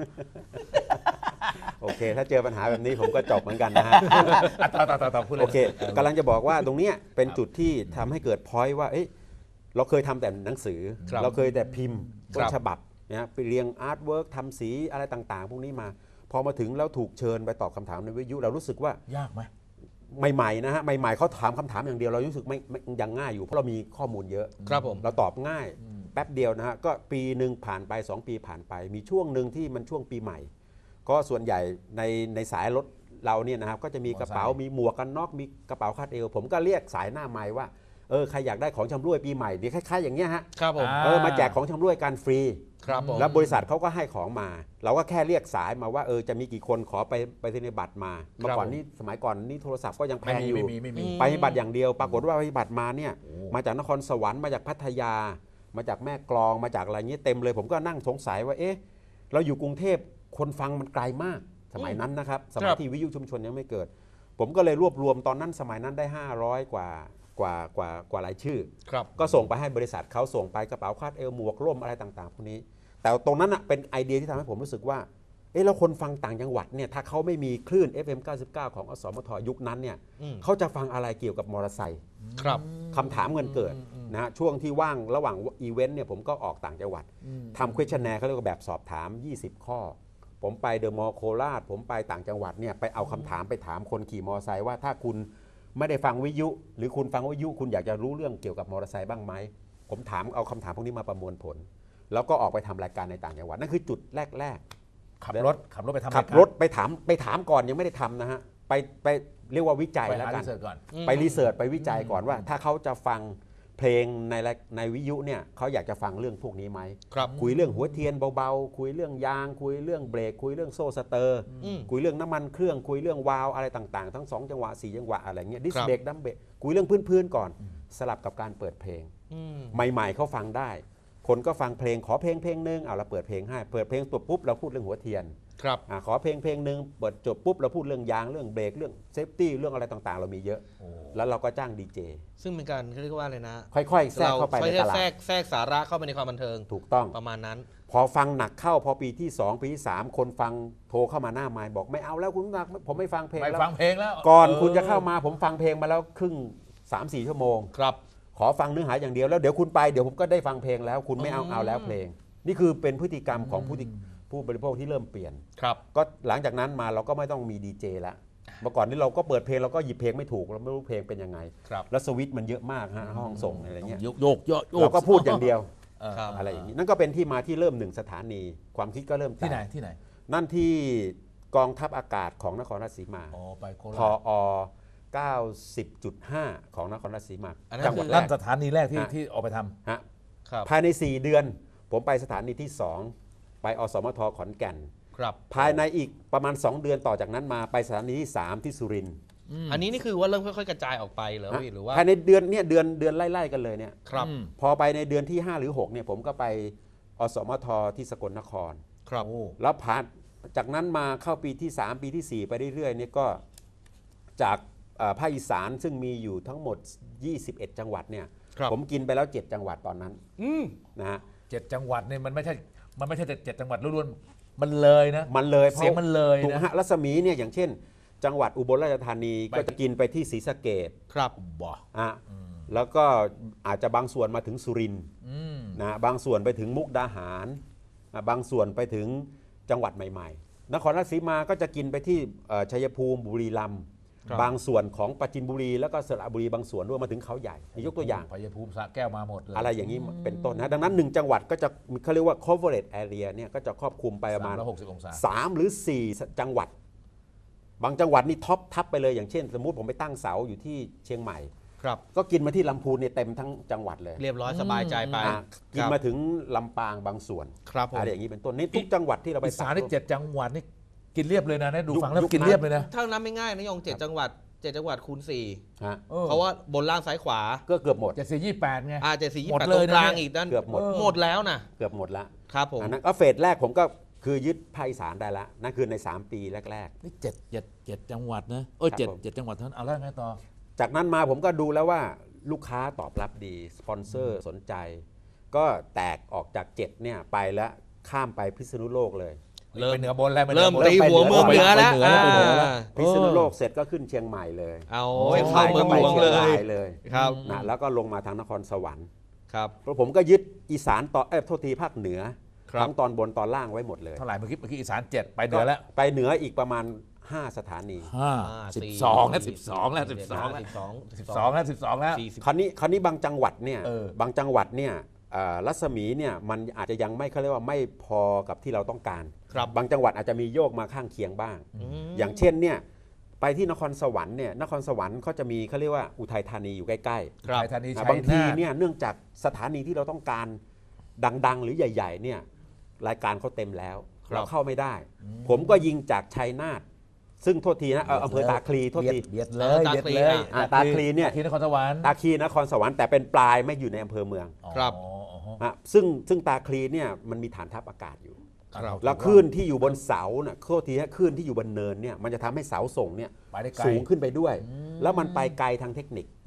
[SPEAKER 3] โอเค ถ้าเจอปัญหาแบบนี้ผมก็จบเหมือนกันนะฮะ
[SPEAKER 1] อ่ะต่อต่อต่อต่อพูดเลย
[SPEAKER 3] โอเคกำลังจะบอกว่าตรงเนี้ยเป็นจุดที่ทำให้เกิดพอยต์ว่าเอ้ยเราเคยทำแต่หนังสือ
[SPEAKER 2] ครับ
[SPEAKER 3] เราเคยแต่พิมพ์
[SPEAKER 2] ค
[SPEAKER 3] ต้
[SPEAKER 2] รั
[SPEAKER 3] น
[SPEAKER 2] บ
[SPEAKER 3] ฉบับนะไปเรียงอาร์ตเวิร์กทำสีอะไรต่างๆ พวกนี้มา พอมาถึงแล้วถูกเชิญไปตอบคำถามในวิทยุเรารู้สึกว่าย
[SPEAKER 1] ากไหม
[SPEAKER 3] ใหม่ๆนะฮะใหม่ๆเขาถามคำถามอย่างเดียวเรารู้สึกไม่ไม่ยังง่ายอยู่เพราะเรามีข้อมูลเยอะ
[SPEAKER 2] ครับผม
[SPEAKER 3] เราตอบง่ายแป๊บเดียวนะฮะก็ปีหนึ่งผ่านไปสองปีผ่านไป มีช่วงหนึ่งที่มันช่วงปีใหม่ ก็ส่วนใหญ่ในในสายรถเราเนี่ยนะครับก็จะมีกระเป๋ามีหมวกกันน็อกมีกระเป๋าคาดเอว ผมก็เรียกสายหน้าไม้ว่าเออใครอยากได้ของชำร่วยปีใหม่เดี๋ยวคล้ายๆอย่างเงี้ยฮะ
[SPEAKER 2] ครับผม
[SPEAKER 1] อ่า
[SPEAKER 3] เออมาแจกของชำร่วยกันฟรี
[SPEAKER 2] ครับผม
[SPEAKER 3] แล้วบริษัทเขาก็ให้ของมา เราก็แค่เรียกสายมาว่าเออจะมีกี่คนขอไปไปธนบัตรมาเมื่อก่อนนี่สมัยก่อนนี่โทรศัพท์ก็ยังแพ
[SPEAKER 1] ไม่
[SPEAKER 3] ง
[SPEAKER 1] มี
[SPEAKER 3] อยู่
[SPEAKER 1] ไม่มีไม่มี
[SPEAKER 3] ไปบัตรอย่างเดียว ปรากฏว่าไปบัตรมาเนี่ย
[SPEAKER 1] โอ้
[SPEAKER 3] มาจากนครสวรรค์มาจากพัทยา มาจากแม่กลองมาจากอะไรเงี้ยเต็มเลย ผมก็นั่งสงสัยว่าเอ๊ะเราอยู่กรุงเทพคนฟังมันไกลมาก สมัยนั้นนะครับสมัยที่วิทยุชุมชนยังไม่เกิด ผมก็เลยรวบรวมตอนนั้นสมัยนั้นได้ห้าร้อยกว่ากว่ากว่ากว่ารายชื่อ
[SPEAKER 2] ครับ
[SPEAKER 3] ก็ส่งไปให้บริษัทเขาส่งไปกระเป๋าคาดเอวหมวกร่มอะไรต่างๆพวกนี้ แต่ตรงนั้นอะเป็นไอเดียที่ทำให้ผมรู้สึกว่าเอ๊ะแล้วคนฟังต่างจังหวัดเนี่ยถ้าเขาไม่มีคลื่น เอฟ เอ็ม เก้าสิบเก้า ของอสมทยุคนั้นเนี่ย
[SPEAKER 2] อืม
[SPEAKER 3] เขาจะฟังอะไรเกี่ยวกับมอเตอร์ไซค์
[SPEAKER 2] ครับ
[SPEAKER 3] คำถามเงินเกิดนะฮะช่วงที่ว่างระหว่างอีเวนต์เนี่ยผมก็ออกต่างจังหวัดทำ questionnaire เขาเรียกว่าแบบสอบถาม ยี่สิบ ข้อ ผมไปเดอะมอลล์โคราชผมไปต่างจังหวัดเนี่ยไปเอาคำถามไปถามคนขี่มอเตอร์ไซค์ว่าถ้าคุณไม่ได้ฟังวิทยุ หรือคุณฟังวิทยุคุณอยากจะรู้เรื่องเกี่ยวกับมอเตอร์ไซค์บ้างไหมผมถามเอาคำถามพวกนี้มาประมวลผล แล้วก็ออกไปทำรายการในต่างจังหวัดนั่นคือจุดแรกๆ
[SPEAKER 1] ขับรถขับรถไปทำ
[SPEAKER 3] ขับรถไปถามไปถามก่อนยังไม่ได้ทำนะฮะไปไปเรียกว่าวิจัย
[SPEAKER 1] ไป
[SPEAKER 3] แล้ว
[SPEAKER 1] หา
[SPEAKER 3] กั
[SPEAKER 1] รี
[SPEAKER 3] น
[SPEAKER 1] เสิร์ชก่อน
[SPEAKER 3] ไปรีเสิร์ชไปวิจัยก่อนว่า ถ้าเขาจะฟังเพลงในรายในวิทยุเนี่ยเขาอยากจะฟังเรื่องพวกนี้ไหม
[SPEAKER 2] ครับ
[SPEAKER 3] คุยเรื่องหัวเทียนเบาๆคุยเรื่องยาง คุยเรื่องเบรกคุยเรื่องโซ่สเตอร์
[SPEAKER 2] อืม
[SPEAKER 3] คุยเรื่องน้ำมันเครื่องคุยเรื่องวาล์วอะไรต่างๆทั้งสองจังหวะสี่จังหวะอะไรเงี้ยดิส
[SPEAKER 2] ครับ
[SPEAKER 3] เบรกดัมเบรกคุยเรื่องพื้นๆก่อน สลับกับการเปิดเพลง
[SPEAKER 2] อืม
[SPEAKER 3] ใหม่ๆเขาฟังได้ คนก็ฟังเพลงขอเพลงเพลงหนึงเอาเราเปิดเพลงให้เปิดเพลงตัวปุ๊บเราพูดเรื่องหัวเทียน
[SPEAKER 2] ครับ
[SPEAKER 3] อาขอเพลงเพลงหนึ่งเปิดจบปุ๊บเราพูดเรื่องยางเรื่องเบรกเรื่องเซฟตี้เรื่องอะไรต่างๆ เรามีเยอะ แล้วเราก็จ้างดีเจ
[SPEAKER 2] ซึ่งเป็นการเขาเรียกว่าอะไรนะ
[SPEAKER 3] ค่อยๆแทรกเข้าไปใน
[SPEAKER 2] ค่อย
[SPEAKER 3] ต
[SPEAKER 2] ๆ
[SPEAKER 3] ลา
[SPEAKER 2] แทร
[SPEAKER 3] ด
[SPEAKER 2] กแทรกสาระเข้าไปในความบันเทิง
[SPEAKER 3] ถูกต้อง
[SPEAKER 2] ประมาณนั้น
[SPEAKER 3] พอฟังหนักเข้าพอปีที่สองปีที่สามคนฟังโทรเข้ามาหน้าไมค์บอกไม่เอาแล้วคุณนักผมไม่ฟังเพลง
[SPEAKER 1] ไป
[SPEAKER 3] แล้ว
[SPEAKER 1] ฟังเพลงแล้ว
[SPEAKER 3] ก่อน
[SPEAKER 1] ออ
[SPEAKER 3] คุณจะเข้ามาผมฟังเพลงมาแล้วครึ่ง สามสี่ ชั่วโมง
[SPEAKER 2] ครับ
[SPEAKER 3] ขอฟังเนื้อหาอย่างเดียวแล้วเดี๋ยวคุณไปเดี๋ยวผมก็ได้ฟังเพลงแล้ว คุณไม่เอาเอาแล้วเพลง นี่คือเป็นพฤติกรรมของผู้ที่ผู้บริโภคที่เริ่มเปลี่ยน
[SPEAKER 2] ครับ
[SPEAKER 3] ก็หลังจากนั้นมาเราก็ไม่ต้องมีดีเจละเมื่อก่อนนี้เราก็เปิดเพลงเราก็หยิบเพลงไม่ถูกเราไม่รู้เพลงเป็นยังไง
[SPEAKER 2] ครับ
[SPEAKER 3] แล้วสวิตช์มันเยอะมากฮะห้องส่งอะไรเงี้ย
[SPEAKER 1] โยกโยกโยกโยก
[SPEAKER 3] เราก็พูดอย่างเดียว
[SPEAKER 2] ครับ
[SPEAKER 3] อะไรอย่างนี้นั่นก็เป็นที่มาที่เริ่มหนึ่งสถานี ความคิดก็เริ่ม
[SPEAKER 1] ที่ไหน
[SPEAKER 3] จาก
[SPEAKER 1] ที่ไหน
[SPEAKER 3] นั่นที่กองทัพอากาศของนครราชสีมา
[SPEAKER 1] อ๋อไปโค
[SPEAKER 3] พ
[SPEAKER 1] ราช
[SPEAKER 3] อเก้าสิบจุดห้า ของนครราชสีมา
[SPEAKER 2] อันนั้น
[SPEAKER 3] จังหวัด
[SPEAKER 2] คือ
[SPEAKER 3] แร
[SPEAKER 1] นั่น
[SPEAKER 3] ก
[SPEAKER 1] สถานีแรกที่
[SPEAKER 3] ฮะ
[SPEAKER 1] ที่ออกไปทำ
[SPEAKER 3] ฮะ
[SPEAKER 2] ครับ
[SPEAKER 3] ภายใน สี่ เดือน ผมไปสถานีที่สองไปอสมทขอนแก่น
[SPEAKER 2] ครับ
[SPEAKER 3] ภายในอีกประมาณ สอง เดือนต่อจากนั้นมาไปสถานีที่สามที่สุรินทร์
[SPEAKER 2] อันนี้นี่คือว่าเริ่มค่อยๆกระจายออกไปเหรอ
[SPEAKER 3] ฮะ
[SPEAKER 2] พี่หรือว่า
[SPEAKER 3] ภายในเดือนเนี่ยเดือนเดือนไล่ๆกันเลยเนี่ย
[SPEAKER 2] ครับ
[SPEAKER 1] อืม
[SPEAKER 3] พอไปในเดือนที่ ห้า หรือ หกเนี่ยผมก็ไปอสมทที่สกลนคร
[SPEAKER 2] ครับ
[SPEAKER 1] โอ้
[SPEAKER 3] แล้วผ่านจากนั้นมาเข้าปีที่ สาม ปีที่ สี่ ไปเรื่อยๆเนี่ยก็จากเอ่อภาคอีสานซึ่งมีอยู่ทั้งหมด ยี่สิบเอ็ด จังหวัดเนี่ย
[SPEAKER 2] ครับ
[SPEAKER 3] ผมกินไปแล้ว เจ็ด จังหวัดตอนนั้น
[SPEAKER 2] อืม
[SPEAKER 3] นะฮะ
[SPEAKER 1] เจ็ดจังหวัดเนี่ยมันไม่ใช่มันไม่ใช่แต่เจ็ดจังหวัดล้วนๆมันเลยนะ
[SPEAKER 3] มันเลย
[SPEAKER 1] เสียงมันเลย
[SPEAKER 3] ถูก
[SPEAKER 1] นะ
[SPEAKER 3] ฮะรัศมีเนี่ยอย่างเช่น จังหวัดอุบลราชธานี
[SPEAKER 1] ไป
[SPEAKER 3] ก็จะกินไปที่ศรีสะเกษ
[SPEAKER 2] ครับ
[SPEAKER 1] บ่
[SPEAKER 3] อ่ะแล้วก็อาจจะบางส่วนมาถึงสุรินทร์
[SPEAKER 1] อืม
[SPEAKER 3] นะบางส่วนไปถึงมุกดาหารอ่ะบางส่วนไปถึงจังหวัดใหม่ๆ นครราชสีมาก็จะกินไปที่เอ่อชัยภูมิบุรีรัมย์
[SPEAKER 2] ครับ
[SPEAKER 3] บางส่วนของปราจีนบุรีแล้วก็สระบุรีบางส่วนด้วยมาถึงเขาใหญ่ยกตัวอย่าง
[SPEAKER 1] พยภูมิสระแก้วมาหมดเลย
[SPEAKER 3] อะไรอย่างนี้เป็นต้นนะดังนั้นหนึ่งจังหวัดก็จะเขาเรียกว่า coverage area เนี่ยก็จะครอบคลุมไปประมาณ
[SPEAKER 1] สามร้อยหกสิบองศา
[SPEAKER 3] สามหรือสี่จังหวัด บางจังหวัดนี่ท็อปทับไปเลยอย่างเช่น สมมุติผมไปตั้งเสาอยู่ที่เชียงใหม่
[SPEAKER 2] ครับ
[SPEAKER 3] ก็กินมาที่ลำพูนเนี่ยเต็มทั้งจังหวัดเลย
[SPEAKER 2] เรียบร้อยสบายใจไป
[SPEAKER 3] อ่ะกินมาถึงลำปางบางส่วน
[SPEAKER 2] ครับผม
[SPEAKER 3] อะไรอย่างนี้เป็นต้นนี่ทุกจังหวัดที่เราไป
[SPEAKER 1] อีสานนี่เจ็ดจังหวัดนี่กินเรียบเลยนะเนี่ยดู
[SPEAKER 3] ยุค
[SPEAKER 1] ฟังแล้ว
[SPEAKER 3] ยุค
[SPEAKER 1] กินเรียบเลยนะ
[SPEAKER 2] ถ้านับไม่ง่ายนะยงเจ็ดจังหวัดเจ็ดจังหวัดคูณสี่
[SPEAKER 3] ฮะ
[SPEAKER 1] ออ
[SPEAKER 2] เพราะว่าบนล่างซ้ายขวา
[SPEAKER 3] ก็เกือบหมด
[SPEAKER 1] เจ็ดสี่ยี่แปดไง
[SPEAKER 2] อาเจ็ดสี่ยี่
[SPEAKER 1] หมด
[SPEAKER 2] แปด
[SPEAKER 1] เล
[SPEAKER 2] ตร
[SPEAKER 1] ย
[SPEAKER 2] ง
[SPEAKER 1] นะ
[SPEAKER 2] กลาง
[SPEAKER 1] เนี่ย
[SPEAKER 2] อีกนั่น
[SPEAKER 3] เกือบหมด
[SPEAKER 2] หมดแล้วนะ
[SPEAKER 3] เกือบหมดละ
[SPEAKER 2] ครับผม
[SPEAKER 3] อันนั้นก็เฟสแรกผมก็คือยึดภาคอีสานได้ละนั่นคือใน สาม ปีแรก
[SPEAKER 1] นี่เจ็ดเจ็ดเจ็ดจังหวัดนะเอ้ย
[SPEAKER 3] ครับ
[SPEAKER 1] เจ็ด
[SPEAKER 3] ผม
[SPEAKER 1] เจ็ดจังหวัดเท่านั้นเอาแล้วไงต่อ
[SPEAKER 3] ๆ จากนั้นมาผมก็ดูแล้วว่าลูกค้าตอบรับดี สปอนเซอร์สนใจ ก็แตกออกจากเจ็ดเนี่ยไปแล้วข้ามไปพิษณุโลกเลย
[SPEAKER 2] เริ่ม
[SPEAKER 1] ไปเหนือบนแล้วไปหนื
[SPEAKER 2] เริ่
[SPEAKER 1] อ
[SPEAKER 2] ม
[SPEAKER 1] บน
[SPEAKER 2] ตีหัวเมืองเหนือแล้ว
[SPEAKER 1] ไปเหนือแล้วไปเหนือแล้ว
[SPEAKER 2] อ่า
[SPEAKER 3] พิษณุโลกเสร็จก็ขึ้นเชียงใหม่เลย
[SPEAKER 2] เอา
[SPEAKER 1] โอ้
[SPEAKER 2] ไว้เข้าเมืองหลวง
[SPEAKER 3] ชี
[SPEAKER 2] เล
[SPEAKER 3] ราย
[SPEAKER 2] ย
[SPEAKER 3] เลย
[SPEAKER 2] ครับ
[SPEAKER 3] นะแล้วก็ลงมาทางนครสวรรค์
[SPEAKER 2] ครับ
[SPEAKER 3] เพราะผมก็ยึดอีสานต่อเอ้ยโทษทีภาคเหนือ
[SPEAKER 2] ครับ
[SPEAKER 3] ทั้งตอนบนตอนล่างไว้หมดเลย
[SPEAKER 1] เท่าไหร่เมื่อกี้เมื่อกี้อีสานเจ็ดไปเหนือแล้ว
[SPEAKER 3] ไปเหนืออีกประมาณ ห้า สถานี
[SPEAKER 1] ห้า
[SPEAKER 2] อ่า
[SPEAKER 1] สิบ
[SPEAKER 2] สี่
[SPEAKER 1] สองแล้วสิบสองแล้วสิบสองแล้ว
[SPEAKER 2] สิบสอง
[SPEAKER 1] สิบสองแล้วสิบสองแล้ว
[SPEAKER 2] สี่สิบ
[SPEAKER 3] คราวนี้คราวนี้บางจังหวัดเนี่ย
[SPEAKER 1] เออ
[SPEAKER 3] บางจังหวัดเนี่ยเอ่อรัศมีเนี่ยมันอาจจะยังไม่เขาเรียกว่าไม่พอกับที่เราต้องการ
[SPEAKER 2] ครับ
[SPEAKER 3] บางจังหวัดอาจจะมีโยกมาข้างเคียงบ้าง
[SPEAKER 2] ม
[SPEAKER 3] อย่างเช่นเนี่ยไปที่นครสวรรค์เนี่ยนครสวรรค์เขาจะมีเขาเรียกว่าอุทัยธานีอยู่ใกล้
[SPEAKER 2] ครับ
[SPEAKER 1] ไทยธานี
[SPEAKER 3] ๆ
[SPEAKER 1] ชั
[SPEAKER 3] นะ
[SPEAKER 1] ย
[SPEAKER 3] บางที
[SPEAKER 1] นาท
[SPEAKER 3] เนี่ยเนื่องจากสถานีที่เราต้องการดังๆ หรือใหญ่ๆเนี่ยรายการเขาเต็มแล้ว
[SPEAKER 2] ครับ
[SPEAKER 3] เราเข้าไม่ได้ ผมก็ยิงจากชัยนาทซึ่งโทษทีนะเอ่ออำเภอตาคลีโทษที
[SPEAKER 1] เบียดเลยเบียดเลย
[SPEAKER 3] อ่าตาคลีเนี่ย
[SPEAKER 1] ตาคลีนครสวรรค์
[SPEAKER 3] ตาคลีนครสวรรค์แต่เป็นปลายไม่อยู่ในอำเภอเมือง
[SPEAKER 2] ครับ
[SPEAKER 1] อ๋ออ๋อ
[SPEAKER 3] ฮะซึ่งซึ่งตาคลีเนี่ยมันมีฐานทัพอากาศอยู่
[SPEAKER 2] ครับ
[SPEAKER 3] แล้วคลื่นที่อยู่บนเสาน่ะโทษทีฮะคลื่นที่อยู่บนเนินเนี่ยมันจะทำให้เสาส่งเนี่ย
[SPEAKER 1] ไปได้ไกล
[SPEAKER 3] สูงขึ้นไปด้วย แล้วมันไปไกลทางเทคนิค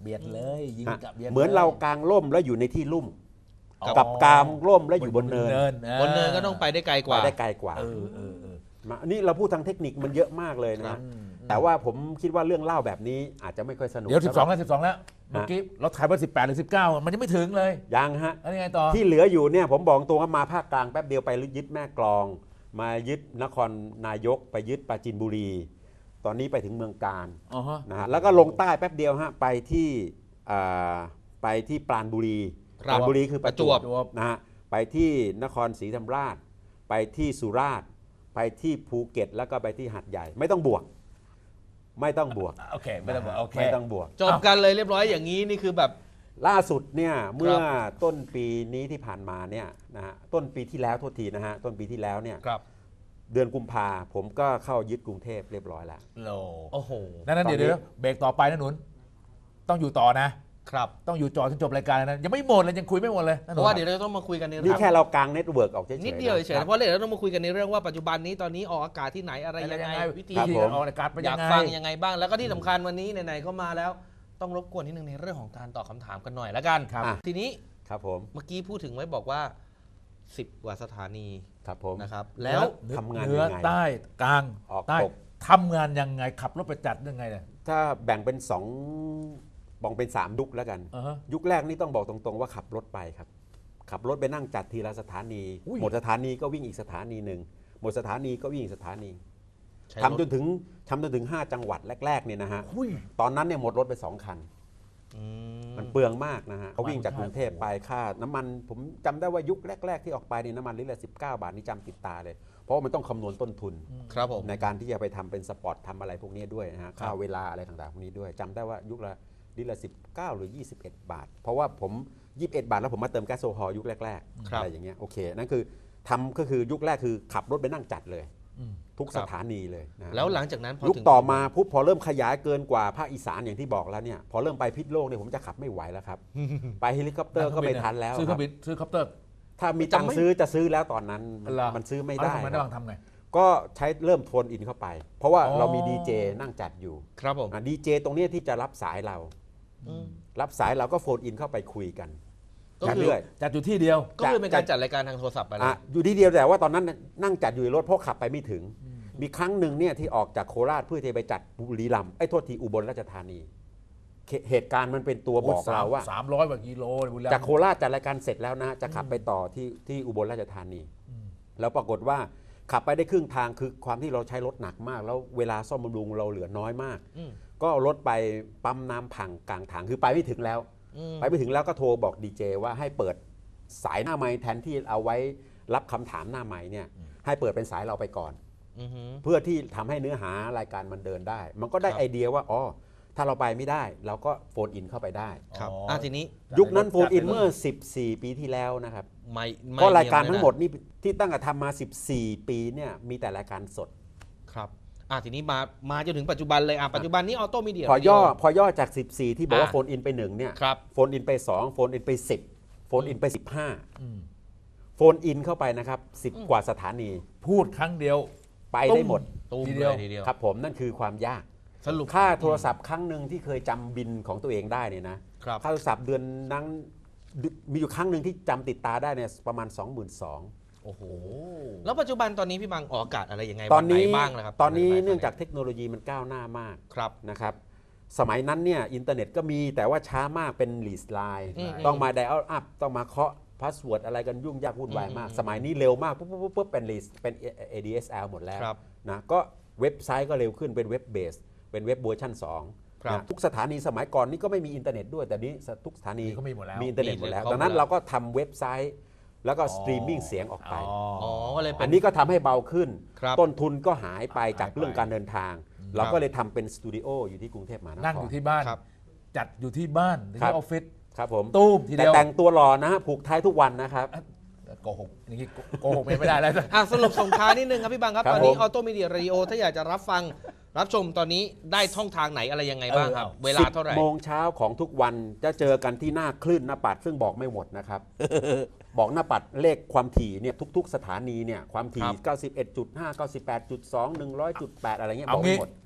[SPEAKER 1] เบียดเลยยิง
[SPEAKER 3] ฮะ
[SPEAKER 1] กับเบียด
[SPEAKER 3] เหมือนเรา
[SPEAKER 1] ลย
[SPEAKER 3] กางร่มแล้วอยู่ในที่ลุ่ม
[SPEAKER 1] อ๋อ
[SPEAKER 3] กับกางร่มแล้วอยู่บนเนิน
[SPEAKER 1] อ่า
[SPEAKER 2] บนเนินก็ต้องไปได้ไกลก
[SPEAKER 3] ไป
[SPEAKER 2] ว่า
[SPEAKER 3] ได้ไกลกว่า
[SPEAKER 1] เออเออเออ
[SPEAKER 3] มาอันนี้เราพูดทางเทคนิคมันเยอะมากเลย
[SPEAKER 2] ครั
[SPEAKER 3] นะ
[SPEAKER 2] บ
[SPEAKER 3] แต่ว่าผมคิดว่าเรื่องเล่าแบบนี้อาจจะไม่ค่อยสนุก
[SPEAKER 1] เดี๋ยวสิบสอง
[SPEAKER 3] สำหรั
[SPEAKER 1] แล้วสิบสองแล้วเมื่อกี้เราถ่ายว่าสิบแปดหรือสิบเก้ามันยังไม่ถึงเลย
[SPEAKER 3] ยังฮะ
[SPEAKER 1] แล้วยังไงต่อ
[SPEAKER 3] ที่เหลืออยู่เนี่ยผมบอกตรงว่ามาภาคกลางแป๊บเดียวไปยึดแม่กลอง มายึดนครนายกไปยึดปราจีนบุรี ตอนนี้ไปถึงเมืองกาญ
[SPEAKER 1] อ๋อฮะ
[SPEAKER 3] นะฮะแล้วก็ลงใต้แป๊บเดียวฮะไปที่อ่าไปที่ปราณบุรี
[SPEAKER 2] ค
[SPEAKER 3] ป
[SPEAKER 2] รับ
[SPEAKER 3] ราณบุรีคือประจวบ
[SPEAKER 1] ประจวบ
[SPEAKER 3] นะฮะไปที่นครศรีธรรมราช ไปที่สุราษฎร์ไปที่ภูเก็ตแล้วก็ไปที่หาดใหญ่ ไม่ต้องบวก ไม่ต้องบวก
[SPEAKER 1] โอเคไม่ต้องบอกโอเค
[SPEAKER 3] ไม่ต้องบวก
[SPEAKER 2] จบกันเลยเรียบร้อยอย่างนี้นี่คือแบบ
[SPEAKER 3] ล่าสุดเนี่ยเมื่อต้นปีนี้ที่ผ่านมาเนี่ยนะฮะต้นปีที่แล้วโทษทีนะฮะต้นปีที่แล้วเนี่ย
[SPEAKER 2] ครับ
[SPEAKER 3] เดือนกุมภาผมก็เข้ายึดกรุงเทพเรียบร้อยแล้ว
[SPEAKER 1] โล
[SPEAKER 2] โอ้โห
[SPEAKER 1] นั่นนั่น
[SPEAKER 3] ตอนนี้
[SPEAKER 1] เดี๋ยวเดี๋ยวเบรกต่อไปนะหนุนต้องอยู่ต่อนะ
[SPEAKER 2] ครับ
[SPEAKER 1] ต้องอยู่จอจนจบรายการเลยนะยังไม่หมดเลยยังคุยไม่หมดเลยนห
[SPEAKER 2] เพ
[SPEAKER 1] นุ
[SPEAKER 2] ราะว่าเดี๋ยวเราจะต้องมาคุยกันใน
[SPEAKER 3] นี่
[SPEAKER 2] เรื่อง
[SPEAKER 3] แค่เรากางเน็ตเวิร์กออกเฉยๆ
[SPEAKER 2] นิดเดียวเฉยๆ
[SPEAKER 3] นะ
[SPEAKER 2] เพราะเดี๋ยวเราต้องมาคุยกันในเรื่องว่าปัจจุบันนี้ตอนนี้ออกอากาศที่ไหนอะไรยังไงวิธี
[SPEAKER 3] ครับ
[SPEAKER 1] ที่
[SPEAKER 3] ผม
[SPEAKER 1] ออกรายการเป็น
[SPEAKER 2] อ
[SPEAKER 1] ยั
[SPEAKER 2] ยาก
[SPEAKER 1] งไง
[SPEAKER 2] ฟังยังไงบ้าง แล้วก็ที่สำคัญวันนี้ไหนๆก็มาแล้วต้องรบกวนนิดนึงในเรื่องของการตอบคำถามกันหน่อยแล้วกัน
[SPEAKER 1] ครับ
[SPEAKER 2] ทีนี้
[SPEAKER 3] ครับผม
[SPEAKER 2] เมื่อกี้พูดถึงไว้บอกว่าสิบกว่าสถานี
[SPEAKER 3] ครับผม
[SPEAKER 2] นะครับ
[SPEAKER 1] แล้
[SPEAKER 2] แล้ว ว
[SPEAKER 3] ทำงาน
[SPEAKER 1] เหนือ
[SPEAKER 3] ยังไง
[SPEAKER 1] ใต้กลาง
[SPEAKER 3] ออก
[SPEAKER 1] ใต้
[SPEAKER 3] ตก
[SPEAKER 1] ทำงานยังไงขับรถไปจัดยังไงเนี่ย
[SPEAKER 3] ถ้าแบ่งเป็นสองแบ่งเป็นสามยุคแล้วกัน
[SPEAKER 1] อ่าฮะ
[SPEAKER 3] ยุคแรกนี่ต้องบอกตรงๆว่าขับรถไปครับ ขับรถไปนั่งจัดทีละสถานี
[SPEAKER 1] อุ้ย
[SPEAKER 3] หมดสถานีก็วิ่งอีกสถานีหนึ่งหมดสถานีก็วิ่งอีกสถานี
[SPEAKER 2] ใช้
[SPEAKER 3] ทำ
[SPEAKER 2] รถ
[SPEAKER 3] จนถึงทำจนถึงห้าจังหวัดแรกๆเนี่ยนะฮะ
[SPEAKER 1] อุ้ย
[SPEAKER 3] ตอนนั้นเนี่ยหมดรถไปสองคัน
[SPEAKER 2] อืม
[SPEAKER 3] มันเปลืองมากนะฮะเขาวิ่งจาก
[SPEAKER 1] ใช่
[SPEAKER 3] กรุงเทพไปค่าน้ำมันผมจำได้ว่ายุคแรก ๆ ที่ออกไปเนี่ยน้ำมันลิตรละสิบเก้าบาทนี่จำติดตาเลย เพราะว่ามันต้องคำนวณต้นทุน
[SPEAKER 2] ครับผม
[SPEAKER 3] ในการที่จะไปทำเป็นสปอร์ตทำอะไรพวกนี้ด้วยนะฮะค่าเวลาอะไรต่างๆพวกนี้ด้วยจำได้ว่ายุคละลิตรละสิบเก้าหรือยี่สิบเอ็ดบาท เพราะว่าผมยี่สิบเอ็ดบาทแล้วผมมาเติมแก๊สโซฮอล์ยุคแรกๆ
[SPEAKER 2] ครับ
[SPEAKER 3] อะไรอย่างเงี้ยโอเคนั่นคือทำก็คือยุคแรกคือขับรถไปนั่งจัดเลย
[SPEAKER 1] อืม
[SPEAKER 3] ทุกสถานีเลยนะฮะ
[SPEAKER 2] แล้วหลังจากนั้นพอ
[SPEAKER 3] ยุค
[SPEAKER 2] ถึง
[SPEAKER 3] ต่อมาปุ๊บพอเริ่มขยายเกินกว่าภาคอีสานอย่างที่บอกแล้วเนี่ยพอเริ่มไปพิษโลกเนี่ยผมจะขับไม่ไหวแล้วครับ ไปเฮลิคอปเตอร์ก็ไม่ทันแล้ว
[SPEAKER 1] ซื้อเค
[SPEAKER 3] ค
[SPEAKER 1] รื่
[SPEAKER 3] รั
[SPEAKER 1] อบ งบินซื้อคอปเตอร์
[SPEAKER 3] ถ้ามีตังค์ซื้อจะซื้อแล้วตอนนั้นมัน
[SPEAKER 1] เหรอ
[SPEAKER 3] มันซื้อไม่
[SPEAKER 1] เอา
[SPEAKER 3] ได้
[SPEAKER 1] แล้วทำไม
[SPEAKER 3] ค
[SPEAKER 1] ได้
[SPEAKER 3] รับ
[SPEAKER 1] บางทำไง
[SPEAKER 3] ก็ใช้เริ่มโฟนอินเข้าไป เพราะว่า
[SPEAKER 1] อ๋อ
[SPEAKER 3] เรามีดีเจนั่งจัดอยู่
[SPEAKER 2] ครับผม
[SPEAKER 3] ดีเจตรงเนี้ยที่จะรับสายเรา
[SPEAKER 2] อืม
[SPEAKER 3] รับสายเราก็โฟนอินเข้าไปคุยกัน
[SPEAKER 2] ก็คือ
[SPEAKER 3] เรื่อย
[SPEAKER 1] จัดอยู่ที่เดียว
[SPEAKER 2] ก็คือเป็นการจัดรายการทางโทรศัพท์ไป
[SPEAKER 3] ๆ
[SPEAKER 2] เล
[SPEAKER 3] อ่ะ
[SPEAKER 2] ย
[SPEAKER 3] อยู่ที่เดียวแต่ว่าตอนนั้นนั่งจัดอยู่ในรถเพราะขับไปไม่ถึง มีครั้งหนึ่งเนี่ยที่ออกจากโคราชเพื่อจะไปจัดบุรีรัมย์ไอ้ยโทษทีอุบลราชธานีเหเหตุการณ์มันเป็นตัวบอกเราว่า
[SPEAKER 1] สามร้อยกว่ากิโลบุรีรัมย์
[SPEAKER 3] จากโคราชจัดรายการเสร็จแล้วนะจะขับไปต่อที่ที่อุบลราชธานี แล้วปรากฏว่าขับไปได้ครึ่งทางคือความที่เราใช้รถหนักมาก แล้วเวลาซ่อมบำรุงเราเหลือน้อยมาก
[SPEAKER 2] อืม
[SPEAKER 3] ก็เอารถไปปั๊มน้ำพังกลางทางคือไปไม่ถึงแล้ว
[SPEAKER 2] อืม
[SPEAKER 3] ไปไม่ถึงแล้วก็โทรบอกดีเจว่าให้เปิดสายหน้าไมค์แทนที่เอาไว้รับคำถามหน้าไมค์เนี่ยให้เปิดเป็นสายเราไปก่อน
[SPEAKER 2] อือหือ
[SPEAKER 3] เพื่อที่ทำให้เนื้อหารายการมันเดินได้ มันก็ได้
[SPEAKER 2] ครับ
[SPEAKER 3] ไอเดียว่าอ๋อถ้าเราไปไม่ได้ เราก็โฟนอินเข้าไปได้
[SPEAKER 2] ครับ
[SPEAKER 1] อ๋ออ่
[SPEAKER 2] อ่ะทีนี้
[SPEAKER 3] ยุคนั้นโฟนอินเมื่อสิบสี่ปีที่แล้วนะครับ
[SPEAKER 2] ไม่ไม่
[SPEAKER 3] ก็รายการ
[SPEAKER 2] เย
[SPEAKER 3] ทั้
[SPEAKER 2] นะ
[SPEAKER 3] งหมดนี่ที่ตั้งแต่ทำมาสิบสี่ปีเนี่ยมีแต่รายการสด
[SPEAKER 2] ครับอ่ะทีนี้มามาจนถึงปัจจุบันเลยอ่ะปัจจุบันนี้ออโต้มีเดีย
[SPEAKER 3] พอย่อพอย่อจากสิบสี่ที่บอกว่า
[SPEAKER 2] อ่ะ
[SPEAKER 3] โฟนอินไปหนึ่งเนี่ย
[SPEAKER 2] ครับ
[SPEAKER 3] โฟนอินไปสองโฟนอินไปสิบโฟนอินไปสิบห้า
[SPEAKER 1] อืม
[SPEAKER 3] โฟนอินเข้าไปนะครับสิบกว่าสถานี
[SPEAKER 1] พูดครั้งเดียว
[SPEAKER 3] ไปได้หมด
[SPEAKER 2] ตูม
[SPEAKER 1] ที
[SPEAKER 2] เล
[SPEAKER 1] เดียว
[SPEAKER 2] ยทีเดียว
[SPEAKER 3] ครับผมนั่นคือความยาก
[SPEAKER 2] สรุป
[SPEAKER 3] ค่าโทรศัพท์ครั้งหนึ่งที่เคยจำบินของตัวเองได้เนี่ยนะครับ ค่าโทรศัพท์เดือนนั้นมีอยู่ครั้งหนึ่งที่จำติดตาได้เนี่ยประมาณ สองหมื่นสองพัน
[SPEAKER 2] โอ้โหแล้วปัจจุบันตอนนี้พี่บังออกอากาศอะไรยังไง
[SPEAKER 3] ตอนนี้
[SPEAKER 2] วัไหบ้างนะครับ
[SPEAKER 3] ตอนนี้
[SPEAKER 2] วัไห
[SPEAKER 3] เนื่องจากเทคโนโลยีมันก้าวหน้ามาก
[SPEAKER 2] ครับ
[SPEAKER 3] นะครับสมัยนั้นเนี่ยอินเทอร์เน็ตก็มีแต่ว่าช้ามากเป็นลีสไลน์
[SPEAKER 2] อืม
[SPEAKER 3] ต้องมาไดอัลอัพต้องมาเคาะพาสเวิร์ดอะไรกันยุ่งยากวุ่นวายมาก
[SPEAKER 2] อืม
[SPEAKER 3] สมัยนี้เร็วมากปุ๊บปุ๊บปุ๊บปุ๊บเป็นลีสเป็น เอ ดี เอส แอล หมดแล้ว
[SPEAKER 2] ครับ
[SPEAKER 3] นะก็เว็บไซต์ก็เร็วขึ้นเป็นเว็บเบสเป็นเว็บเวอร์ชันสอง
[SPEAKER 2] ครับ
[SPEAKER 3] นะทุกสถานีสมัยก่อนนี่ก็ไม่มีอินเทอร์เน็ตด้วยแต่นี้ทุกสถานี
[SPEAKER 1] นี่ก็มีหมดแล้ว
[SPEAKER 3] มีอินเทอร์เน็ตหมดแล้ว
[SPEAKER 2] มีเลย
[SPEAKER 3] ดังนั้น
[SPEAKER 2] ครบหมดแล้ว
[SPEAKER 3] เราก็ทำเว็บไซต์ แล้วก็สตรีมมิ่งเสียงออกไป
[SPEAKER 2] อ๋อก็เลยเป็
[SPEAKER 3] อั
[SPEAKER 2] น
[SPEAKER 3] นนี้ก็ทำให้เบาขึ้น
[SPEAKER 2] ครับ
[SPEAKER 3] ต้นทุนก็หายไปจาก
[SPEAKER 1] หายไป
[SPEAKER 3] เรื่องการเดินทาง เราก็เลยทำเป็นสตูดิโออยู่ที่กรุงเทพมหานคร
[SPEAKER 1] นั่งอยู่ที่บ้าน
[SPEAKER 2] ครับ
[SPEAKER 1] จัดอยู่ที่บ้านหรือ
[SPEAKER 3] ครับ
[SPEAKER 1] ที่ออฟฟิศ
[SPEAKER 3] ครับผม
[SPEAKER 1] ตู้มที
[SPEAKER 3] แต่
[SPEAKER 1] เดียว
[SPEAKER 3] แต่งตัวหล่อนะฮะผูกไทยทุกวันนะครับ
[SPEAKER 1] โกหกอย่างนี้โกหกไม่ได้แล้ว
[SPEAKER 2] อ่ะสรุปส่งท้ายนิดนึงครับพี่บังครับ
[SPEAKER 3] ครับ
[SPEAKER 2] ตอนนี้
[SPEAKER 3] ผม
[SPEAKER 2] ออโตมีเดียเรดิโอถ้าอยากจะรับฟังรับชมตอนนี้ได้ช่องทางไหนอะไรยังไงบ้างครับ
[SPEAKER 1] เออ
[SPEAKER 2] เวลาเท่าไหร่
[SPEAKER 3] สิบโมงเช้าของทุกวันจะเจอกันที่หน้าคลื่นหน้าปัดซึ่งบอกไม่หมดนะครับ บอกหน้าปัดเลขความถี่เนี่ยทุก ๆ สถานีเนี่ยความถี่
[SPEAKER 2] ครับ
[SPEAKER 3] เก้าสิบเอ็ดจุดห้า เก้าสิบแปดจุดสอง หนึ่งร้อยจุดแปดอะไรเงี้ยบ
[SPEAKER 1] เอา
[SPEAKER 3] อกไม่
[SPEAKER 1] งี้
[SPEAKER 3] หมด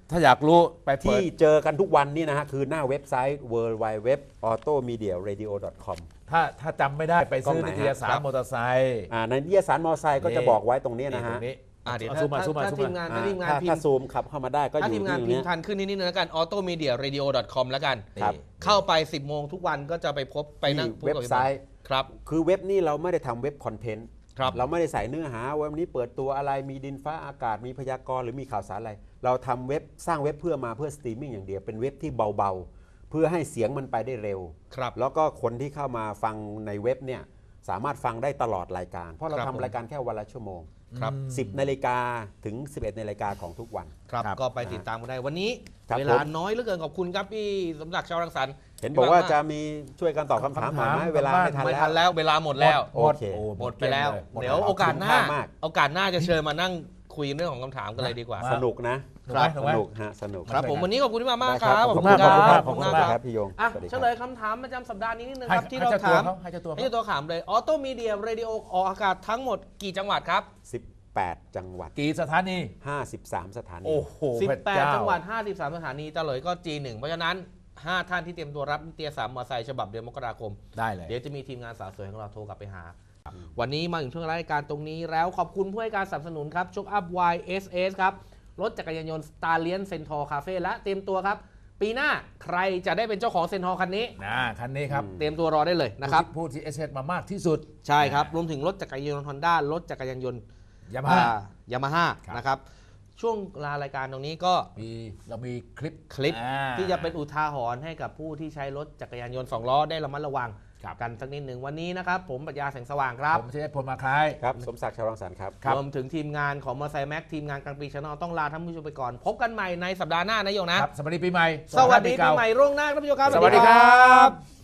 [SPEAKER 1] ถ้าอยากรู้ไปเปิ
[SPEAKER 3] ที่
[SPEAKER 1] ด
[SPEAKER 3] เจอกันทุกวันนี่นะฮะคือหน้าเว็บไซต์ ดับเบิลยู ดับเบิลยู ดับเบิลยู ดอท ออโตมีเดียเรดิโอ ดอท คอม
[SPEAKER 1] ถ้าถ้าจำไม่ได้ไปซื้อก
[SPEAKER 3] ล้องไหน
[SPEAKER 1] นิ
[SPEAKER 3] ฮะ
[SPEAKER 1] ตยสารมอเตอร์ไซค์
[SPEAKER 3] อ่าในนิตยสารมอไซค์ก็จะบอกไว้ตรงนี้นะฮะ
[SPEAKER 1] ตรงนี้
[SPEAKER 2] อ่ะเดี๋ยว
[SPEAKER 1] อา
[SPEAKER 2] ถ้า
[SPEAKER 1] ซูมมาซูมมา
[SPEAKER 2] ถ้า
[SPEAKER 1] ซูม
[SPEAKER 2] ทีม
[SPEAKER 1] มาง
[SPEAKER 2] านถ้าทีมงาน
[SPEAKER 3] ถ้า
[SPEAKER 2] พิ
[SPEAKER 3] ถ้าม
[SPEAKER 2] พ์
[SPEAKER 3] ซูมขับเข้ามาได้ก็อ
[SPEAKER 2] ถ้า
[SPEAKER 3] ยู่
[SPEAKER 2] ทีมงาน
[SPEAKER 3] ที่ตรง
[SPEAKER 2] พิม
[SPEAKER 3] นี้
[SPEAKER 2] พ์ทันขึ้นนิดนึงแล้วกัน ออโตมีเดียเรดิโอ ดอท คอม แล้วกัน
[SPEAKER 3] ครับ
[SPEAKER 2] เข้าไป สิบโมงทุกวันก็จะไปพบไปนั่ง
[SPEAKER 3] ที่เว็บไซต์
[SPEAKER 2] ครับ
[SPEAKER 3] คือเว็บนี่เราไม่ได้ทำเว็บคอนเทนต์
[SPEAKER 2] ครับ
[SPEAKER 3] เราไม่ได้ใส่เนื้อหาว่าวันนี้เปิดตัวอะไรมีดินฟ้าอากาศมีพยากรณ์หรือมีข่าวสารอะไร เราทำเว็บสร้างเว็บเพื่อมาเพื่อสตรีมมิ่งอย่างเดียวเป็นเว็บที่เบาๆ เพื่อให้เสียงมันไปได้เร็ว
[SPEAKER 2] ครับ
[SPEAKER 3] แล้วก็คนที่เข้ามาฟังในเว็บเนี่ยสามารถฟังได้ตลอดรายการ เพราะเรา
[SPEAKER 2] ครับ
[SPEAKER 3] ทำ
[SPEAKER 2] ผม
[SPEAKER 3] รายการแค่วันละชั่วโมง
[SPEAKER 2] ครับ
[SPEAKER 3] สิบนาฬิกาถึงสิบเอ็ดนาฬิกาของทุกวัน
[SPEAKER 2] ครับ
[SPEAKER 1] ครับ
[SPEAKER 2] ก็ไปติดตามกันได้วันนี้
[SPEAKER 3] ครับ
[SPEAKER 2] เวลา
[SPEAKER 3] ผม
[SPEAKER 2] น้อยเหลือเกินขอบคุณครับพี่สมศักดิ์ชาวรังสรรค์
[SPEAKER 3] เห็นบอกว่าจะมีช่วยกันตอบคำถามหน่อยไหม
[SPEAKER 1] คำถาม
[SPEAKER 3] เวลาไม่ทัน
[SPEAKER 2] ไม่
[SPEAKER 3] แล้ว
[SPEAKER 2] ทันแล้วเวลาหมดแล้ว
[SPEAKER 3] โอเค
[SPEAKER 1] โ
[SPEAKER 2] หมดไปแล้ว
[SPEAKER 1] หมด
[SPEAKER 2] เดี๋ยว
[SPEAKER 1] แล้ว
[SPEAKER 2] โอกาสหน้า
[SPEAKER 3] คุ้มค่ามาก
[SPEAKER 2] โอกาสหน้าจะเชิญมานั่งคุยเรื่องของคำถามกันเลยดีกว่า
[SPEAKER 1] มา
[SPEAKER 3] สนุกนะ
[SPEAKER 1] ถูกไหม
[SPEAKER 3] ส
[SPEAKER 1] ถูกไหม
[SPEAKER 3] นุกฮะสนุก
[SPEAKER 2] ครับผมวันนี้ขอบคุณที่มามาก
[SPEAKER 3] ได้
[SPEAKER 2] ครับ
[SPEAKER 3] ขอบคุณมาก
[SPEAKER 1] ขอบคุณมาก
[SPEAKER 3] ขอบคุณมากครับพี่โยง
[SPEAKER 2] อ่ะ
[SPEAKER 3] สวัสดี
[SPEAKER 2] เฉ
[SPEAKER 3] ครับ
[SPEAKER 2] ลยคำถามประจำสัปดาห์นี้นิดนึง
[SPEAKER 1] ให้
[SPEAKER 2] ครับที่
[SPEAKER 1] ให้
[SPEAKER 2] เรา
[SPEAKER 1] เจ้าตัว
[SPEAKER 2] ถาม
[SPEAKER 1] เขาให้เจ้าตัว
[SPEAKER 2] ให้
[SPEAKER 1] เขา
[SPEAKER 2] เจ้าตัวถามเลยออโตมีเดียเรดิโอออกอากาศทั้งหมดกี่จังหวัดครับ
[SPEAKER 3] สิบแปด จังหวัด
[SPEAKER 1] กี่สถานี
[SPEAKER 3] ห้าสิบสาม สถานี
[SPEAKER 1] โอ้โห
[SPEAKER 2] สิบ
[SPEAKER 1] พระ
[SPEAKER 2] แปด
[SPEAKER 1] เา
[SPEAKER 2] จังหวัดห้าสิบสามสถานีเฉลยก็ จี หนึ่ง เพราะฉะนั้น ห้า ท่านที่เตรียมตัวรับนิตยสารมอเตอร์ไซค์ฉบับเดือนมกราคม
[SPEAKER 1] ได้เลย
[SPEAKER 2] เดี๋ยวจะมีทีมงานสาวสวยของเราโทรกลับไปหา วันนี้มาถึงช่วงรายการตรงนี้แล้วขอบคุณผู้ให้การสนับสนุนครับช็อคอัพ วาย เอส เอส ครับ รถจักรยานยนต์ Stallion Centaur Cafe และเตรียมตัวครับ ปีหน้าใครจะได้เป็นเจ้าของ Centaur คันนี้
[SPEAKER 1] นะคันนี้ครับ
[SPEAKER 2] เตรียมตัวรอได้เลยนะครับ
[SPEAKER 1] ผู้ที่เอสเอสมามากที่สุด
[SPEAKER 2] ใช่ครับ รวมถึงรถจักรยานยนต์ Honda รถจักรยานยนต์
[SPEAKER 1] ยามาฮ่า
[SPEAKER 2] ยามาฮ่า
[SPEAKER 1] ครับ
[SPEAKER 2] นะครับ ช่วงลารายการตรงนี้ก็
[SPEAKER 1] มีเรามีคลิป
[SPEAKER 2] คลิป
[SPEAKER 1] อ่า
[SPEAKER 2] ที่จะเป็นอุทาหรณ์ให้กับผู้ที่ใช้รถจักรยานยนต์สองล้อได้ระมัดระวัง
[SPEAKER 1] ครับ
[SPEAKER 2] กันสักนิดหนึ่งวันนี้นะครับ ผมปรัชญาแสงสว่างครับ
[SPEAKER 1] ผมชื่อเอสพลมาคล้าย
[SPEAKER 3] ครับ สมศักดิ์ชาวรังสรรค์ครับ
[SPEAKER 1] ครับ
[SPEAKER 2] รวมถึงทีมงานของมอไซค์แม็กทีมงานกลางปีชาแนลต้องลาท่านผู้ชมไปก่อน พบกันใหม่ในสัปดาห์หน้านะโยงนะ
[SPEAKER 1] ครับสวัสดีปีใหม่
[SPEAKER 2] สวัสดี
[SPEAKER 1] เก่า
[SPEAKER 2] ปีใหม่ร่วงหน้าท่านผู้ชมครับ
[SPEAKER 1] สวัสดีครับ